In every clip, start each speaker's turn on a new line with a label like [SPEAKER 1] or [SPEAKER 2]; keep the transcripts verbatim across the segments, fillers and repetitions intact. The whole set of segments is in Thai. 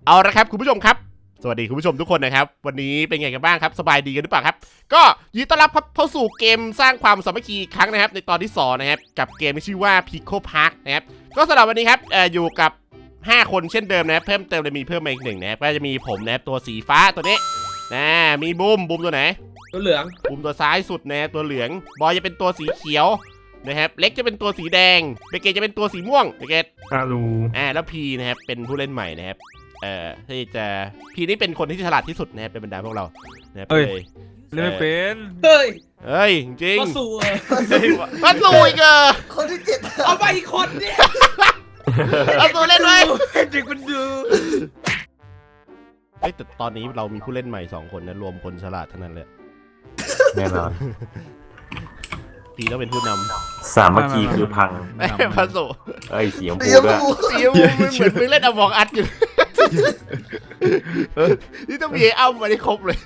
[SPEAKER 1] เอาละครับคุณผู้ชมครับสวัสดีคุณผู้ชมทุกคนนะครับวันนี้เป็นไงกันบ้างครับสบายดีกันหรือเปล่าครับก็ยินดีต้อนรับเข้าสู่เกมสร้างความสามัคคีครั้งนะครับในตอนที่สองนะครับกับเกมที่ชื่อว่า Pico Park นะครับก็สำหรับวันนี้ครับเอ่ออยู่กับห้าคนเช่นเดิมนะครับเพิ่มเติมเลยมีเพิ่มมาอีกหนึ่งนะครับก็จะมีผมนะครับตัวสีฟ้าตัวนี้นะมีบูมบูมตัวไหน
[SPEAKER 2] ตัวเหลือง
[SPEAKER 1] บูมตัวซ้ายสุดนะตัวเหลืองบอยจะเป็นตัวสีเขียวนะครับเล็กจะเป็นตัวสีแดงเบเกตจะเป็นตัวสีม่วงเบเกต
[SPEAKER 3] อารู
[SPEAKER 1] อ่าแล้วพีนะครับเป็นผู้เล่นใหม่นะครับเอ่อที่จะพีนี่เป็นคนที่ฉลาดที่สุดนะครับเป็นบรรดาพวกเรานะครับเลย
[SPEAKER 3] เล่นไม่เป็น
[SPEAKER 2] เฮ้ย
[SPEAKER 1] เฮ้ยจริง
[SPEAKER 2] มาสู่
[SPEAKER 1] มาสู่อีกเออ
[SPEAKER 4] คนที่เจ็ด
[SPEAKER 2] เอาไปอีกคนเนี่ย
[SPEAKER 1] มาสู่เล่นไหม
[SPEAKER 2] เด็กมันดู
[SPEAKER 1] เฮ้ยแต่ตอนนี้เรามีผู้เล่นใหม่สองคนนะรวมคนฉลาดทั้งนั้นเลย
[SPEAKER 3] แน่นอน
[SPEAKER 1] พีต้องเป็นผู้นำ
[SPEAKER 3] สามัคคีคือพัง
[SPEAKER 1] มาสู่
[SPEAKER 3] เอ้ยเสียงพูด
[SPEAKER 4] ด้วย
[SPEAKER 1] เสียงพูดเหมือนมึงเล่นอมองอัดอยู่นี่ต้องมีไอ้อ้ำมาได้ครบเลย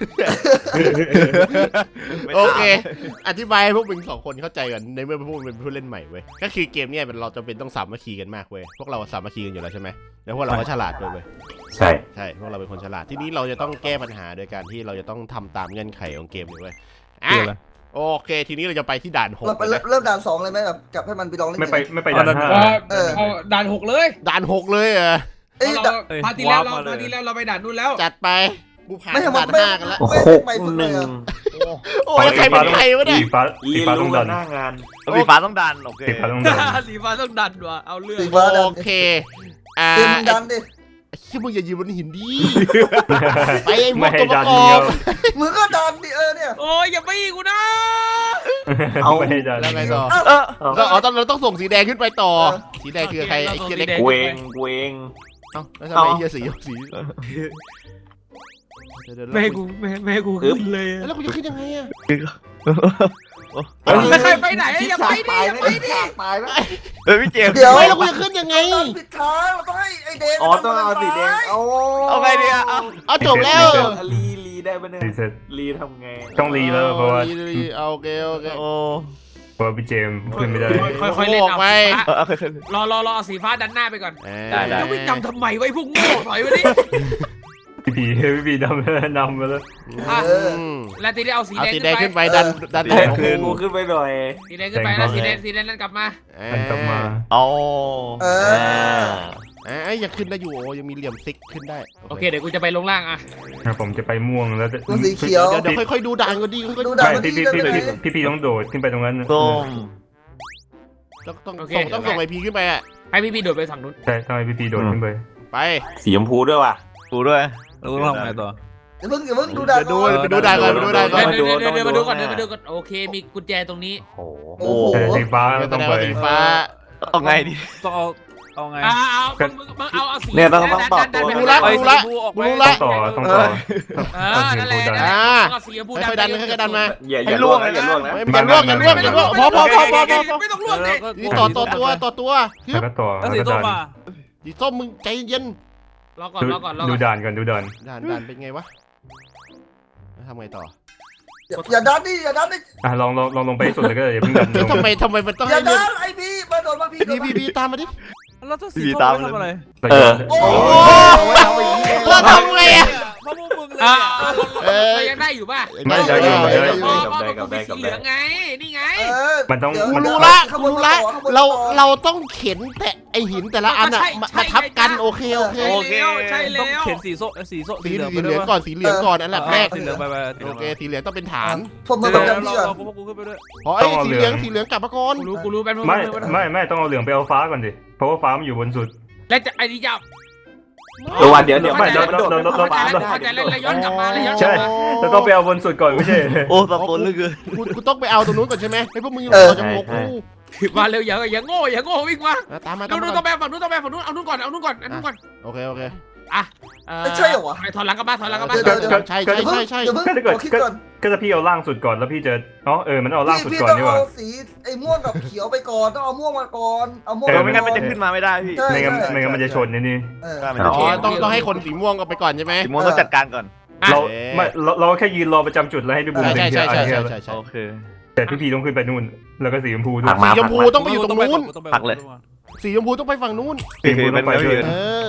[SPEAKER 1] โอเคอธิบายให้พวกมึงสองคนเข้าใจกันในเมื่อพวกมึงเป็นผู้เล่นใหม่เว้ยก็คือเกมนี้เป็นเราจำเป็นต้องสามัคคีกันมากเว้ยพวกเราสามัคคีกันอยู่แล้วใช่ไหมแล้วพวกเราก็ฉลาดด้วยเว้ย
[SPEAKER 3] ใช่
[SPEAKER 1] ใช่พวกเราเป็นคนฉลาดที่นี้เราจะต้องแก้ปัญหาโดยการที่เราจะต้องทำตามเงื่อนไขของเกมเลยเว้ยอ่ะโอเคทีนี้เราจะไปที่ด่านหก
[SPEAKER 4] เริ่มด่านสองเลยไหมแบบกลับให้มันไปลองเล่น
[SPEAKER 3] ไม่ไปไม่ไปด่านห้า
[SPEAKER 2] เอาด่านหกเลย
[SPEAKER 1] ด่านหกเลยเหรอ
[SPEAKER 2] เราพาทีแล้วเราพาทีแล้วเราไปด่านนู้นแล้ว
[SPEAKER 1] จัดไปกูผ่านด่านห้ากันแล้ว
[SPEAKER 3] หกหนึ่ง
[SPEAKER 1] โอ้ยใครเป็นใครวะเนี่ย
[SPEAKER 3] สีฟ้าสีฟ้าต้องดัน
[SPEAKER 5] หน้างานสีฟ้าต้องดันโอเค
[SPEAKER 3] สีฟ้าต้องดัน
[SPEAKER 2] สีฟ้าต้องดันว่ะเอาเรื่อง
[SPEAKER 1] โอเคอ่า
[SPEAKER 4] ดันดิ
[SPEAKER 1] ขี้มึงอย่ายืนบนหินดิไปไอ้พวกตัวประกอบ
[SPEAKER 4] มึงก็ดันดิเออเนี่ย
[SPEAKER 2] โอ้ยอย่าไปอีกกูนะ
[SPEAKER 3] เอาไม่ดัน
[SPEAKER 1] แล้วไงต่อก็อ๋อต้องเราต้องส่งสีแดงขึ้นไปต่อสีแดงคือใครไอ้เกียร์เล็ก
[SPEAKER 3] เวงเวง
[SPEAKER 1] เอ้าแล้วทำไมเกียร์สีสี
[SPEAKER 2] แม่กูแม่แม่กูขึ้นเลย
[SPEAKER 1] แล้วกูจะขึ้นยังไงอ่ะ
[SPEAKER 2] ไม่เคยไปไหนอย่าไปดิอย่าไปดิ
[SPEAKER 4] ตายแล้ว
[SPEAKER 5] เฮ้ยพี่เจมส์
[SPEAKER 1] เดี๋ยวแล้วกูจะขึ้นยังไง
[SPEAKER 4] ผิดทางเราต้องให้ไอ้แดง
[SPEAKER 5] อ๋อต้องเอาสีแดงเอา
[SPEAKER 1] เอาไงดีอะเอาจบแล้ว
[SPEAKER 5] รีรีได้ปะเนี่ยรีทำไง
[SPEAKER 3] ต้องรีแล้วเพราะว่า
[SPEAKER 1] เอาโอเคโอเคโอ้
[SPEAKER 3] เพราะพี่เจมส์ขึ้นไม่ได้
[SPEAKER 2] ค่อยๆเล่นเอารอรอรอสีฟ้าดันหน้าไปก่อนแล้วไม่จำทำไมไว้พวกโง่ถอยไปดิ
[SPEAKER 3] พี่พีพี่พีนำนำมาแล้ว
[SPEAKER 2] แล้วทีนี้เอาสี
[SPEAKER 1] แดงขึ้นไปดันดัน
[SPEAKER 5] คืนกูขึ้นไปหน่อย
[SPEAKER 2] สีแดงขึ้นไปแล้วสีแดงสีแดงนั่นกลับมา
[SPEAKER 3] กลับมา
[SPEAKER 5] อ๋อ
[SPEAKER 4] เออ
[SPEAKER 1] ไอ้ยังขึ้นได้อยู่โอ้ยังมีเหลี่ยมซิกขึ้นได้
[SPEAKER 2] โอเคเดี๋ยวกูจะไปลงล่างอ่ะ
[SPEAKER 3] ผมจะไปม่วงแล้ว
[SPEAKER 4] ตัวสีเขียว
[SPEAKER 1] เดี๋ยวค่อยๆดูด่านก็ดีค่อยๆ
[SPEAKER 4] ดูด่าน
[SPEAKER 3] พี่พี่พี่พี่ต้องโดดขึ้นไปตรงนั้น
[SPEAKER 5] ต้
[SPEAKER 1] องต้องต้องต้องส่งไอพีขึ้นไปอ่ะ
[SPEAKER 2] ให้พี่พี่โดดไปฝั่งนู้น
[SPEAKER 3] ใช่ต้องให้พี่พีโดดขึ้นไป
[SPEAKER 1] ไป
[SPEAKER 5] สีชมพูด้วยว่ะดูด้วยแล้วทำไงต่อ
[SPEAKER 4] อย่าเพิ่งอย่าเพิ่งดูด่าน
[SPEAKER 1] ดูไปดูด่านก่อนไปดูด่านก่อน
[SPEAKER 2] เดี๋ยวเดี๋ยวมาดูก่อนเดี๋ยวมาดูก่อนโอเคมีกุญแจตรงนี้
[SPEAKER 3] โอ้โหสีฟ้าต้องไป
[SPEAKER 1] สีฟ้า
[SPEAKER 5] เอาไงดิ
[SPEAKER 2] ต้องเอาเอาไงเอาเอาเอาเอาสี
[SPEAKER 5] เนี่ยต้องต้องต่อตัว
[SPEAKER 1] รู้ละรู้ละรู้ละ
[SPEAKER 3] ต่อต้องต่อ
[SPEAKER 2] เออนั่นแหละต้องเอาสีชมพู
[SPEAKER 1] ค่อยดันค่อยดันมา
[SPEAKER 5] อย่าอย่าล่วงนะอย่าล่วงนะ
[SPEAKER 1] อย่าล่วงอย่าล่วงอย่าล่วงพอพอพอพอพอ
[SPEAKER 2] ไม่ต้องล่วงเลย
[SPEAKER 1] ต่อต่อตัวต่อตัว
[SPEAKER 3] แล้วก็ต่อแล้ว
[SPEAKER 2] สีส้มมา
[SPEAKER 1] สีส้มมึงใจเย็น
[SPEAKER 2] รอก่อนรอก่อนรอก่อน
[SPEAKER 3] ดูด่านกันดูด่าน
[SPEAKER 1] ด่านด่านเป็นไงวะทำไงต่อ
[SPEAKER 4] อย่าดันดิอย่าดันดิ
[SPEAKER 3] อ่ะลองลองลองลงไปสุดเลยก็ได้อย่าเพิ่งดัน
[SPEAKER 1] ทำไมทำไมมันต้อง
[SPEAKER 4] อย่าดันไอพี่มาโดนมาพี่
[SPEAKER 1] พี่พี่พี่ตามมาดิ
[SPEAKER 2] แล้วถ้าสีส้มทำอะไร
[SPEAKER 5] เออ
[SPEAKER 1] โอ้เราทำไงอ่ะ
[SPEAKER 2] พวกมึงเลยเออยังได้อยู่ป่ะ
[SPEAKER 3] ไม่ได้อยู่ไม่ได้อยู่
[SPEAKER 2] กับได้กับได้กับได้ไงนี่ไง
[SPEAKER 3] มันต้อง
[SPEAKER 1] กูรู้ละกูรู้ละเราเราต้องเข็นแต่ไอหินแต่ละอันอ่ะมาทับกันโอเคโอเค
[SPEAKER 2] โอเคใช่แล้ว
[SPEAKER 5] ต้องเข็นสีส้มสีส้ม
[SPEAKER 1] สีเหลืองก่อนสีเหลืองก่อนอันดับแรก
[SPEAKER 5] สีเหลืองไปไป
[SPEAKER 1] โอเคสีเหลืองต้องเป็นฐาน
[SPEAKER 4] ผมมาประจำที่ก่อน
[SPEAKER 1] เพราะไอ้สีเหลืองสีเหลืองกลับมาก่อน
[SPEAKER 2] กูรู้กูรู้เป็น
[SPEAKER 3] ไม่ไม่ไม่ต้องเอาเหลืองไปเอาฟ้าก่อนดิเพราะว่าฟ้ามันอยู่บนสุด
[SPEAKER 2] แล้วจะไอ้นี่จะ
[SPEAKER 5] เออวันเดี๋ยวเดี๋ยวไม่โดนโดนโดนโดน
[SPEAKER 2] ฟ้าแล้วย้อนกลับมาแล้วย้อน
[SPEAKER 3] ใช่แล้วต้องไปเอาบนสุดก่อนไม่ใช่
[SPEAKER 5] โอ้สับสนเลย
[SPEAKER 1] กูกูต้องไปเอาตรงนู้นก่อนใช่ไหมไอ้พวกมึงอยู่ต่อจมูกกู
[SPEAKER 2] มาเร็วอย่าอย่าโง่อย่าโง่วิ่งมา
[SPEAKER 1] ตามมา
[SPEAKER 2] ดูดูต้องไปฝั่งนู้นต้องไปฝั่งนู้นเอานู้นก่อนเอานู้นก่อนเอานู้นก่อน
[SPEAKER 1] โอเคโอเค
[SPEAKER 2] อ่ะ
[SPEAKER 4] ไม่ใช่เหรอวะ
[SPEAKER 2] ถอยหลังกลับมาถอยหลังกลับมา
[SPEAKER 1] ใช่ใช่ใช่ใช่
[SPEAKER 3] ก็จะเกิดก็จะพี่เอาล่างสุดก่อนแล้วพี่จะอ๋อเออมันเอาล่างสุดก่อนนี่หว่า
[SPEAKER 4] พี่ต้องเอาสีไอ้ม่วงกับเขียวไปก่อนต้องเอาม่วงมาก่อนเอาม่วง
[SPEAKER 5] ไม่งั้นมันจะขึ้นมาไม่ได้พี่
[SPEAKER 3] ไม่งั้นไม่งั้นมันจะชนนี่นี่
[SPEAKER 1] อ๋อต้องต้องให้คนสีม่วงก็ไปก่อนใช่ไหม
[SPEAKER 5] สีม่วงต้องจัดการก่อน
[SPEAKER 3] เราไม่เราแค่ยืนรอประจำจุดแล้วให้พี่บุ๋ม
[SPEAKER 1] ใช่ใช่ใช่ใช่ใช่
[SPEAKER 5] โอเค
[SPEAKER 3] แต่พี่พีต้องขึ้นไปนู่นแล้วก็สีชมพูด้วย
[SPEAKER 1] สีชมพูต้องไปอยู่ตรงนู้น
[SPEAKER 5] พักเลย
[SPEAKER 1] สีชมพูต้องไปฝั่งนู้น
[SPEAKER 3] สีชมพูต้องไป
[SPEAKER 1] เออ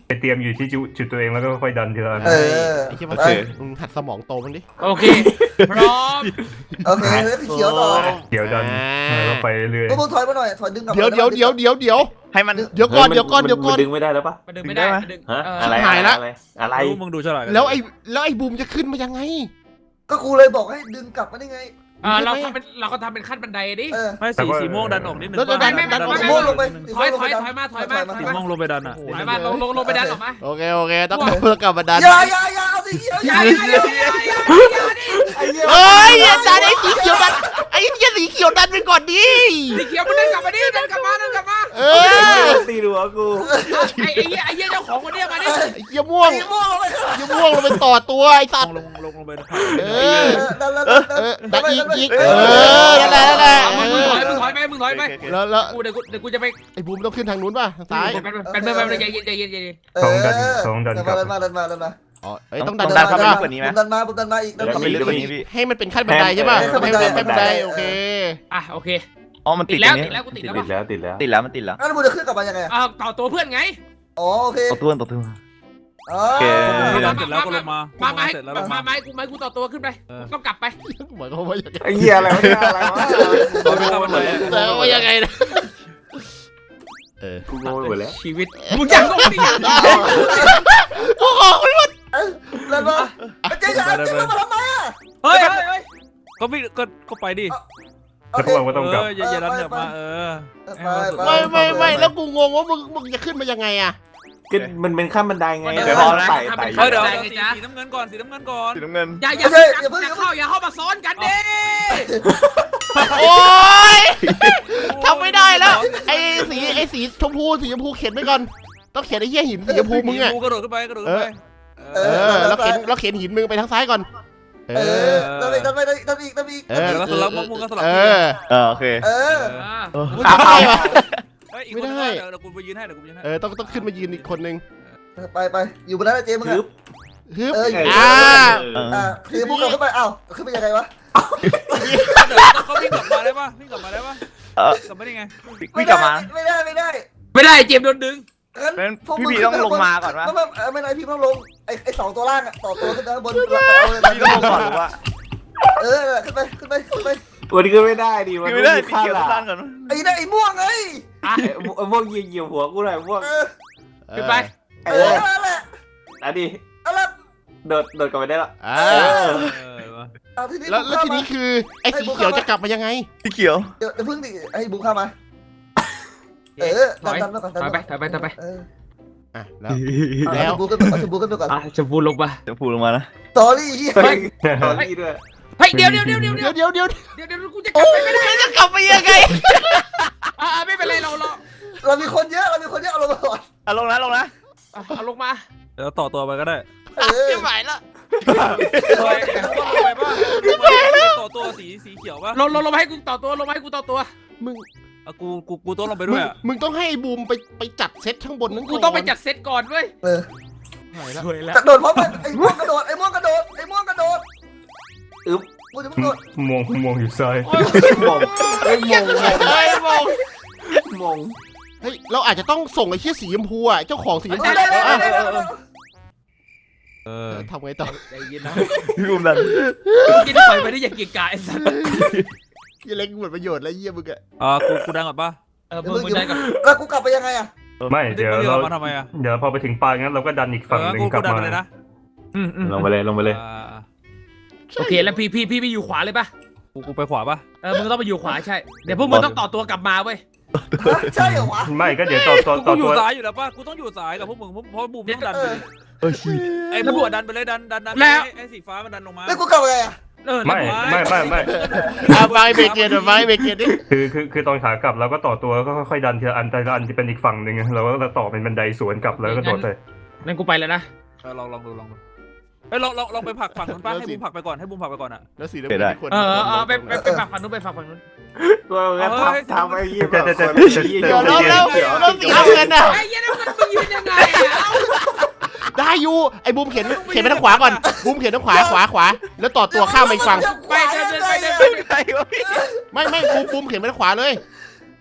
[SPEAKER 3] ไปเตรียมอยู่ที่จุจุดตัวเองแล้วก็ค่อยดันทีละอัน
[SPEAKER 4] เออ
[SPEAKER 1] ไอ้เหี้ยมัน
[SPEAKER 4] ไป
[SPEAKER 1] มึงหัดสมองโตมันดิ
[SPEAKER 2] โอเคพร้อม
[SPEAKER 4] โอเคเฮ้ยสีเขียวต่อ
[SPEAKER 3] เดี๋ยวดันแล้วก็ไปเรื่อย
[SPEAKER 4] พวกมึงถอยมาหน่อยถอยดึงกลับ
[SPEAKER 1] เดี๋ยวเดี๋ยวเดี๋ยวเดี๋ยวเดี๋ยว
[SPEAKER 5] ให้มัน
[SPEAKER 1] เดี๋ยวก่อนเดี๋ยวก่อนเดี๋ยวก่อน
[SPEAKER 6] ดึงไม่ได้แล้วปะ
[SPEAKER 2] มาดึงไม่ได้มาดึง
[SPEAKER 6] ฮะ
[SPEAKER 2] เออ
[SPEAKER 6] อะไร
[SPEAKER 1] หายละ
[SPEAKER 6] อะไรอะไร
[SPEAKER 5] รู้มึงดูเท่าไหร่
[SPEAKER 1] แล้วไอ้แล้วไอ้บูมจะขึ้นมายังไง
[SPEAKER 4] ก็กูเลยบอกให้ดึงกลับมาได้ไง
[SPEAKER 2] เออเราทำเป็นเราก็ทำเป็นขั้นบันไดดิ
[SPEAKER 4] เออ
[SPEAKER 5] ไม่สีสีม่วงดันออกนิดนึง
[SPEAKER 1] แล้วจะดันดันออก
[SPEAKER 4] สีม่วงลงไป
[SPEAKER 2] ถอยถอยถอยมาถอยมาถอย
[SPEAKER 5] สี
[SPEAKER 2] มา
[SPEAKER 5] ม่วงลงไปดันอ่ะ
[SPEAKER 2] ถอยมาลงลงลงไปดันออกมา
[SPEAKER 1] โอเคโอเคต้องเพื่อกลับมาดัน
[SPEAKER 4] อย่าอย่าอย่าเอาสีเขียวอย่
[SPEAKER 2] อา
[SPEAKER 4] ย่า
[SPEAKER 2] อย่าอย่าอย่าอย่าดิ
[SPEAKER 4] ไอ้เหี้ย
[SPEAKER 1] เอ้ยอย่าดันไอ้สีเขียวดันไอ้เหี้ยสีเขียวดันไปก่อนดิ
[SPEAKER 2] สีเขียวมันเดินกลับมาดิเดินกลับมาเดินกลับมา
[SPEAKER 1] เออ
[SPEAKER 6] ตีหัวกู
[SPEAKER 2] ไอ้ไอ้เหี้ยไอ้เหี้ยเจ้าของคนเนี้ยมาดิ
[SPEAKER 1] ไอ้เหี้ยม่วง
[SPEAKER 4] สีม่วงลงไป
[SPEAKER 1] เหี้ยม่วงลงไปต่อตัวไอ้สัตว์
[SPEAKER 5] ลงลงลงไป
[SPEAKER 1] เอ
[SPEAKER 4] เอ
[SPEAKER 1] อ
[SPEAKER 4] อดันแล้ว
[SPEAKER 1] เออเออดันอีกอีกเออนั่นแหละนั่นแหละ
[SPEAKER 2] มึง
[SPEAKER 1] เอ
[SPEAKER 2] ถ
[SPEAKER 1] อ
[SPEAKER 2] อยมึงถอยไปมึงถอยไป
[SPEAKER 1] แล้วแล้ว
[SPEAKER 2] กูเดี๋ยวกูเดี๋ยวกูจะไป
[SPEAKER 1] ไอ้บูมต้องขึ้นทางนู้นป่ะทางซ้าย
[SPEAKER 2] เป็นเป็นเป็นเป็นใจเย็นใจเย็นใจเย็น
[SPEAKER 3] สองดันสองดัน
[SPEAKER 4] ดัน
[SPEAKER 3] กลั
[SPEAKER 4] มา
[SPEAKER 3] บ
[SPEAKER 4] ดันมาดันมาดันมา
[SPEAKER 1] อ๋อเอ้ยต้องดัน
[SPEAKER 5] ต้อง
[SPEAKER 1] ดั
[SPEAKER 5] ดั
[SPEAKER 1] น
[SPEAKER 5] น
[SPEAKER 1] เข้า
[SPEAKER 5] เข้า
[SPEAKER 1] ไป
[SPEAKER 5] ไป
[SPEAKER 1] ป่ะ
[SPEAKER 5] กว่านี้ไหม
[SPEAKER 4] ดันมาดันมาอีกดัน
[SPEAKER 5] ต้อง
[SPEAKER 4] มา
[SPEAKER 5] ไป
[SPEAKER 4] อีก
[SPEAKER 5] ลึกกว่านี้พี่
[SPEAKER 1] ให้มันเป็นขั้นบันไดใช่ป่ะ
[SPEAKER 4] ให้ขั้นบันได
[SPEAKER 1] ให้ขั้นบันไดโอเค
[SPEAKER 2] อ่ะโอเค
[SPEAKER 5] อ๋อมัน
[SPEAKER 2] ติ
[SPEAKER 5] ติ
[SPEAKER 2] ด
[SPEAKER 5] ด
[SPEAKER 2] แล้ว
[SPEAKER 5] นี้
[SPEAKER 2] ติดแล้วกูติด
[SPEAKER 6] ติ
[SPEAKER 2] แล้ว
[SPEAKER 6] ดแล้วติดแล้ว
[SPEAKER 5] ติดแล้วมันติดแล้ว
[SPEAKER 4] งั้นมึงจะขึ้นกลับมายังไง
[SPEAKER 2] อ่าต่อตัวเพื่อนไง
[SPEAKER 4] อ๋อโอเค
[SPEAKER 5] ต่อตัวต่อตัว
[SPEAKER 4] อ๋อ
[SPEAKER 5] โอเค
[SPEAKER 2] มา
[SPEAKER 5] ดันเสร็จแล้วก็ลงมา
[SPEAKER 2] มามาให้
[SPEAKER 5] เสร็จแล้ว
[SPEAKER 2] มา
[SPEAKER 5] ลงมา
[SPEAKER 2] มาให้กูมาให้กูต่อตัวขึ้นไปต้องกลับไป
[SPEAKER 1] หมายความว่ายังไง
[SPEAKER 6] ไอ้เหี้ยอะไรวะเนี่ยอะไรวะ
[SPEAKER 5] เอาไปเข้าไปเลย
[SPEAKER 1] แต่ว่ายังไงนะเออ
[SPEAKER 6] กูงงไปหมดแล้ว
[SPEAKER 2] ชีวิตมึงอยากงงดิอยากงง
[SPEAKER 1] โอ้โหไม่หมด
[SPEAKER 4] ดันมาเจ๊อย่าเจ๊มาทำไมอ่ะ
[SPEAKER 2] เฮ้ยเฮ้ย
[SPEAKER 5] ก็พี่ก็ก็ไปดิ
[SPEAKER 3] แล้วพวกเราก็ต้องกลับ
[SPEAKER 5] เอออย่าอย่าดันกลับมาเออ
[SPEAKER 1] ไม่ไม่ไม่แล้วกูงงว่ามึงมึงจะขึ้นมายังไงอะ
[SPEAKER 6] ก็มันเป็นขั้นบันไดไง
[SPEAKER 5] เดี๋ยวพอแล้ว
[SPEAKER 6] ไต่ไต่
[SPEAKER 5] เออเดี๋ยวสีสีน้ำเงินก่อนสีน้ำเงินก่อนสีน้ำเงิน
[SPEAKER 2] อย่าอย่าอย่าเข้าอย่าเข้ามาซ้อนกันดิ
[SPEAKER 1] โอ๊ยทำไม่ได้แล้วไอ้สีไอ้สีชมพูสีชมพูเข็นไปก่อนต้องเข็นไอ้เหี้ยหินสีชมพูมึงอะ
[SPEAKER 5] กระโดดขึ้นไปกระโดดขึ้นไป
[SPEAKER 1] เออแล้วเข็นแล้วเข็นหินมึงไปทางซ้ายก่อนเอ
[SPEAKER 4] เอ
[SPEAKER 1] อ
[SPEAKER 4] อดันไปดันไปดันอีกดันอีก
[SPEAKER 1] เออ
[SPEAKER 5] แล้วก็สลับมุมก็สลับ
[SPEAKER 1] เออ
[SPEAKER 5] เออโอเค
[SPEAKER 4] เออ
[SPEAKER 1] ไม่ได้วะ
[SPEAKER 5] เฮ้ยอีกคนนึงเดี๋ยวกูไปยืนให้เดี๋ยวกูยืนให้
[SPEAKER 1] เออต้องต้องขึ้นมายืนอีกคนนึง
[SPEAKER 4] ไปไปอยู่บนนั้นเจ๊มึง
[SPEAKER 6] ฮึ
[SPEAKER 4] อ่ะ
[SPEAKER 6] บ
[SPEAKER 1] ฮึบ
[SPEAKER 4] เออ
[SPEAKER 1] อ่า
[SPEAKER 4] อ่าคือพวกเราขึ้นไปอ้าวขึ้นไปยังไงวะ
[SPEAKER 5] เขาวิ่งกลับมาได้ปะวิ่งกลับมาได้ปะเออกลับมาได้ไง
[SPEAKER 4] ไม่ได้ไม่ได้ไม่ได้
[SPEAKER 2] ไม่ได้เจมโดนดึง
[SPEAKER 5] พี่พีต้องลงมาก่อนวะ
[SPEAKER 4] ไม่ไม่ไม่ได้พี่ต้องลงไอ้ไอ้สองตัวล่างอ่ะต่อตัวขึ้นไปข้างบน
[SPEAKER 5] พี่ต้องลงก่อนหรือว่า
[SPEAKER 4] เออขึ้นไปขึ้นไปขึ้นไป
[SPEAKER 6] วันนี้ก็ไม่ได้ดิมัน
[SPEAKER 5] ไม่
[SPEAKER 6] ไม่
[SPEAKER 5] ได้
[SPEAKER 6] มี
[SPEAKER 5] พี่
[SPEAKER 6] ขั้น
[SPEAKER 5] เขียว
[SPEAKER 6] ละ
[SPEAKER 5] สั้นก่อน
[SPEAKER 4] ไอ้นั่นไอ้ม่วงไง
[SPEAKER 2] อ่ะ
[SPEAKER 6] ไอ้พวกเหยียบหัวกูหน่อยพวก
[SPEAKER 4] เออ
[SPEAKER 2] ขึ้นไป
[SPEAKER 6] เอ
[SPEAKER 4] เออ
[SPEAKER 6] อ
[SPEAKER 4] นั่นแหละ
[SPEAKER 6] อันนี้
[SPEAKER 4] เอาละ
[SPEAKER 6] โดดโดดกลับไปได้ละ
[SPEAKER 1] อ่า
[SPEAKER 6] เออ
[SPEAKER 4] เอาทีนี้
[SPEAKER 1] แล้วแล้วทีนี้คือไอ้สีเขียวจะกลับมายังไง
[SPEAKER 5] พี่เขียว
[SPEAKER 4] เดี๋ยวเดี๋ยวพึ่งดิไอ้บุ้งเข้ามาเออ
[SPEAKER 2] ถอย
[SPEAKER 4] ดันดันก่อน
[SPEAKER 2] ถอยไปถอยไปถอยไป
[SPEAKER 4] เออ
[SPEAKER 1] อ่ะแล้ว
[SPEAKER 4] แล้
[SPEAKER 1] แล้ว ว
[SPEAKER 4] บุ้งขึ้นเอาชมพูขึ้นไปก่อน
[SPEAKER 2] อ่ะจะพูดลงมา
[SPEAKER 5] จะพูดลงมานะ
[SPEAKER 4] ตอรี่เฮีย
[SPEAKER 6] เฮ้ยตอนนี้ด้วย
[SPEAKER 2] เฮ้ยเดี๋ยวเดี๋ยวเดี๋ยวเดี๋ยวเดี๋ยว
[SPEAKER 1] เดี๋ยวเดี๋ยวเดี๋ยว
[SPEAKER 2] เดี๋ยวเดี๋ยวกูจะกลับไปไม่ได้
[SPEAKER 1] จะกลับไปยังไง
[SPEAKER 2] อ่าไม่เป็นไรเราเรา
[SPEAKER 4] เรามีคนเยอะเรามีคนเยอะเอาลงมาก่อน
[SPEAKER 5] อ่ะลงนะลงนะ
[SPEAKER 2] เอาลงมา
[SPEAKER 5] เดี๋ยวต่อตัวไปก็ได้
[SPEAKER 4] เออ
[SPEAKER 1] ไม่ไหวแล้ว
[SPEAKER 5] ลงไปป่ะลงไปต่อตัวสีสีเขียวป่ะ
[SPEAKER 2] ลงลงลงมาให้กูต่อตัวลงมาให้กูต่อตัว
[SPEAKER 1] มึง
[SPEAKER 5] กูกูกูต้องลงไป
[SPEAKER 1] มึ
[SPEAKER 5] ด้ว
[SPEAKER 1] ง
[SPEAKER 5] ยอ่ะ
[SPEAKER 1] มึงต้องให้บูมไปไปจัดเซตข้างบนนั้น
[SPEAKER 2] กูต้องไปจัดเซตก่อนเว้ย
[SPEAKER 4] เออ
[SPEAKER 1] ไหวแล้ว
[SPEAKER 2] สวยแล้ว
[SPEAKER 4] กระโดดพร้อมกันไอ้ม่วงกระโดดไอ้ม่วงกระโดดไอ้ม่วงกระโดด
[SPEAKER 6] อึ๊บ
[SPEAKER 4] กูจะไม่โดด
[SPEAKER 3] มองมองอยู่ซ้าย
[SPEAKER 6] มงเฮ้ยมง
[SPEAKER 1] เฮ้ยมอง
[SPEAKER 6] มง
[SPEAKER 1] เฮ้ยเราอาจจะต้องส่งไอ้เชี่ยสีชมพูอ่ะเจ้าของสีชม
[SPEAKER 4] เอ
[SPEAKER 1] พู
[SPEAKER 4] อได้ได้
[SPEAKER 1] อ่ะ
[SPEAKER 4] ได้ได้ได้
[SPEAKER 5] เออ
[SPEAKER 1] ทำไงต่อ
[SPEAKER 2] ใจเย็นนะ
[SPEAKER 5] พี่บูมดัน
[SPEAKER 2] กินถอยไปได้อย่างเกียร์กายไอ้สัส
[SPEAKER 1] ยี่เล็กหมดประโยชน์แล้วเยี่ยมึงอะ
[SPEAKER 5] อ่ากูกูดังก่อนป่ะ
[SPEAKER 2] เออมึงมึงได้กับ
[SPEAKER 4] แล้วกูกลับไปยังไงอ่ะ
[SPEAKER 3] ไม่เดี๋ยว
[SPEAKER 5] เรา
[SPEAKER 3] เรา
[SPEAKER 5] มาทำไมอ่ะ
[SPEAKER 3] เดี๋ยวพอไปถึงปลายงั้นเราก็ดันอีกฝั่งหนึ่ง
[SPEAKER 5] กู
[SPEAKER 3] กลับ
[SPEAKER 5] ดัน
[SPEAKER 3] มา
[SPEAKER 5] ไปเลยนะ
[SPEAKER 2] อืมอืม
[SPEAKER 6] ลงไปเลยลงไปเลย
[SPEAKER 2] โอเคแล้วพี่พี่พี่ไม่อยู่ขวาเลยปะ
[SPEAKER 5] กูกูไปขวาป่ะ
[SPEAKER 2] เออมึงต้องไปอยู่ขวาใช่เดี๋ยวพวกมึงต้องต่อตัวกลับมาเว้ย
[SPEAKER 4] ใช่เหรอวะ
[SPEAKER 3] ไม่ก็เดี๋ยวต่อต่อ
[SPEAKER 5] กู
[SPEAKER 3] ต่อ
[SPEAKER 5] อ
[SPEAKER 3] ตั
[SPEAKER 5] ยู่
[SPEAKER 3] ว
[SPEAKER 5] ซ้ายอยู่แล้วป่ะกูต้องอยู่ซ้ายกับพวกมึงเพราะบูมต้องดันไปไอ้บูมดันไปเลยดันดันดันไอ้สีฟ้ามันดันลงมา
[SPEAKER 4] แล้วกูกลับไปไงอ่ะ
[SPEAKER 2] เออ
[SPEAKER 3] ไม่ไม่ไม่ไม่
[SPEAKER 1] อ่ะไปเบรกเกตไปเบรกเกตดิ
[SPEAKER 3] คือคือคือตอนขากลับเราก็ต่อตัวก็ค่อยๆดันทีละอันแต่ละอันที่เป็นอีกฝั่งหนึ่งเราก็ต่อเป็นบันไดสวนกลับแล้วก็โดดไป
[SPEAKER 2] นั่นกูไปแล้วนะ
[SPEAKER 5] ลองลองดูลองดูเฮ้ยลองลองลองไปผลักฝั่งนู้นป่ะให้บูมผลักไปก่อนให้บูมผลักไปก่อนอ่ะ
[SPEAKER 1] แล้วสีน้ำเงินคน
[SPEAKER 2] เออเออไปไปไปฝั่งฝั่งนู้นไปฝั่งฝั่งนู้น
[SPEAKER 6] ตัวงั้นทำทำไอ้ยี่แบบ
[SPEAKER 1] เดี๋ยวแล้วแล้วแล้วสีน้ำเงินอ่ะ
[SPEAKER 2] ไอ้ยันมันมึงยืนยังไงอ่ะ
[SPEAKER 1] ได้อยู่ไอ้บูมเข็นเข็นไปทางขวาก่อนบูมเข็นทางขวาขวาขวาแล้วต่อตัวข้ามไปอีกฝั่ง
[SPEAKER 2] ไปเดินเดินไปเดินไป
[SPEAKER 5] ไอ้วะพี่
[SPEAKER 1] ไม่ไม่บูมบูมเข็นไปทางขวาเลย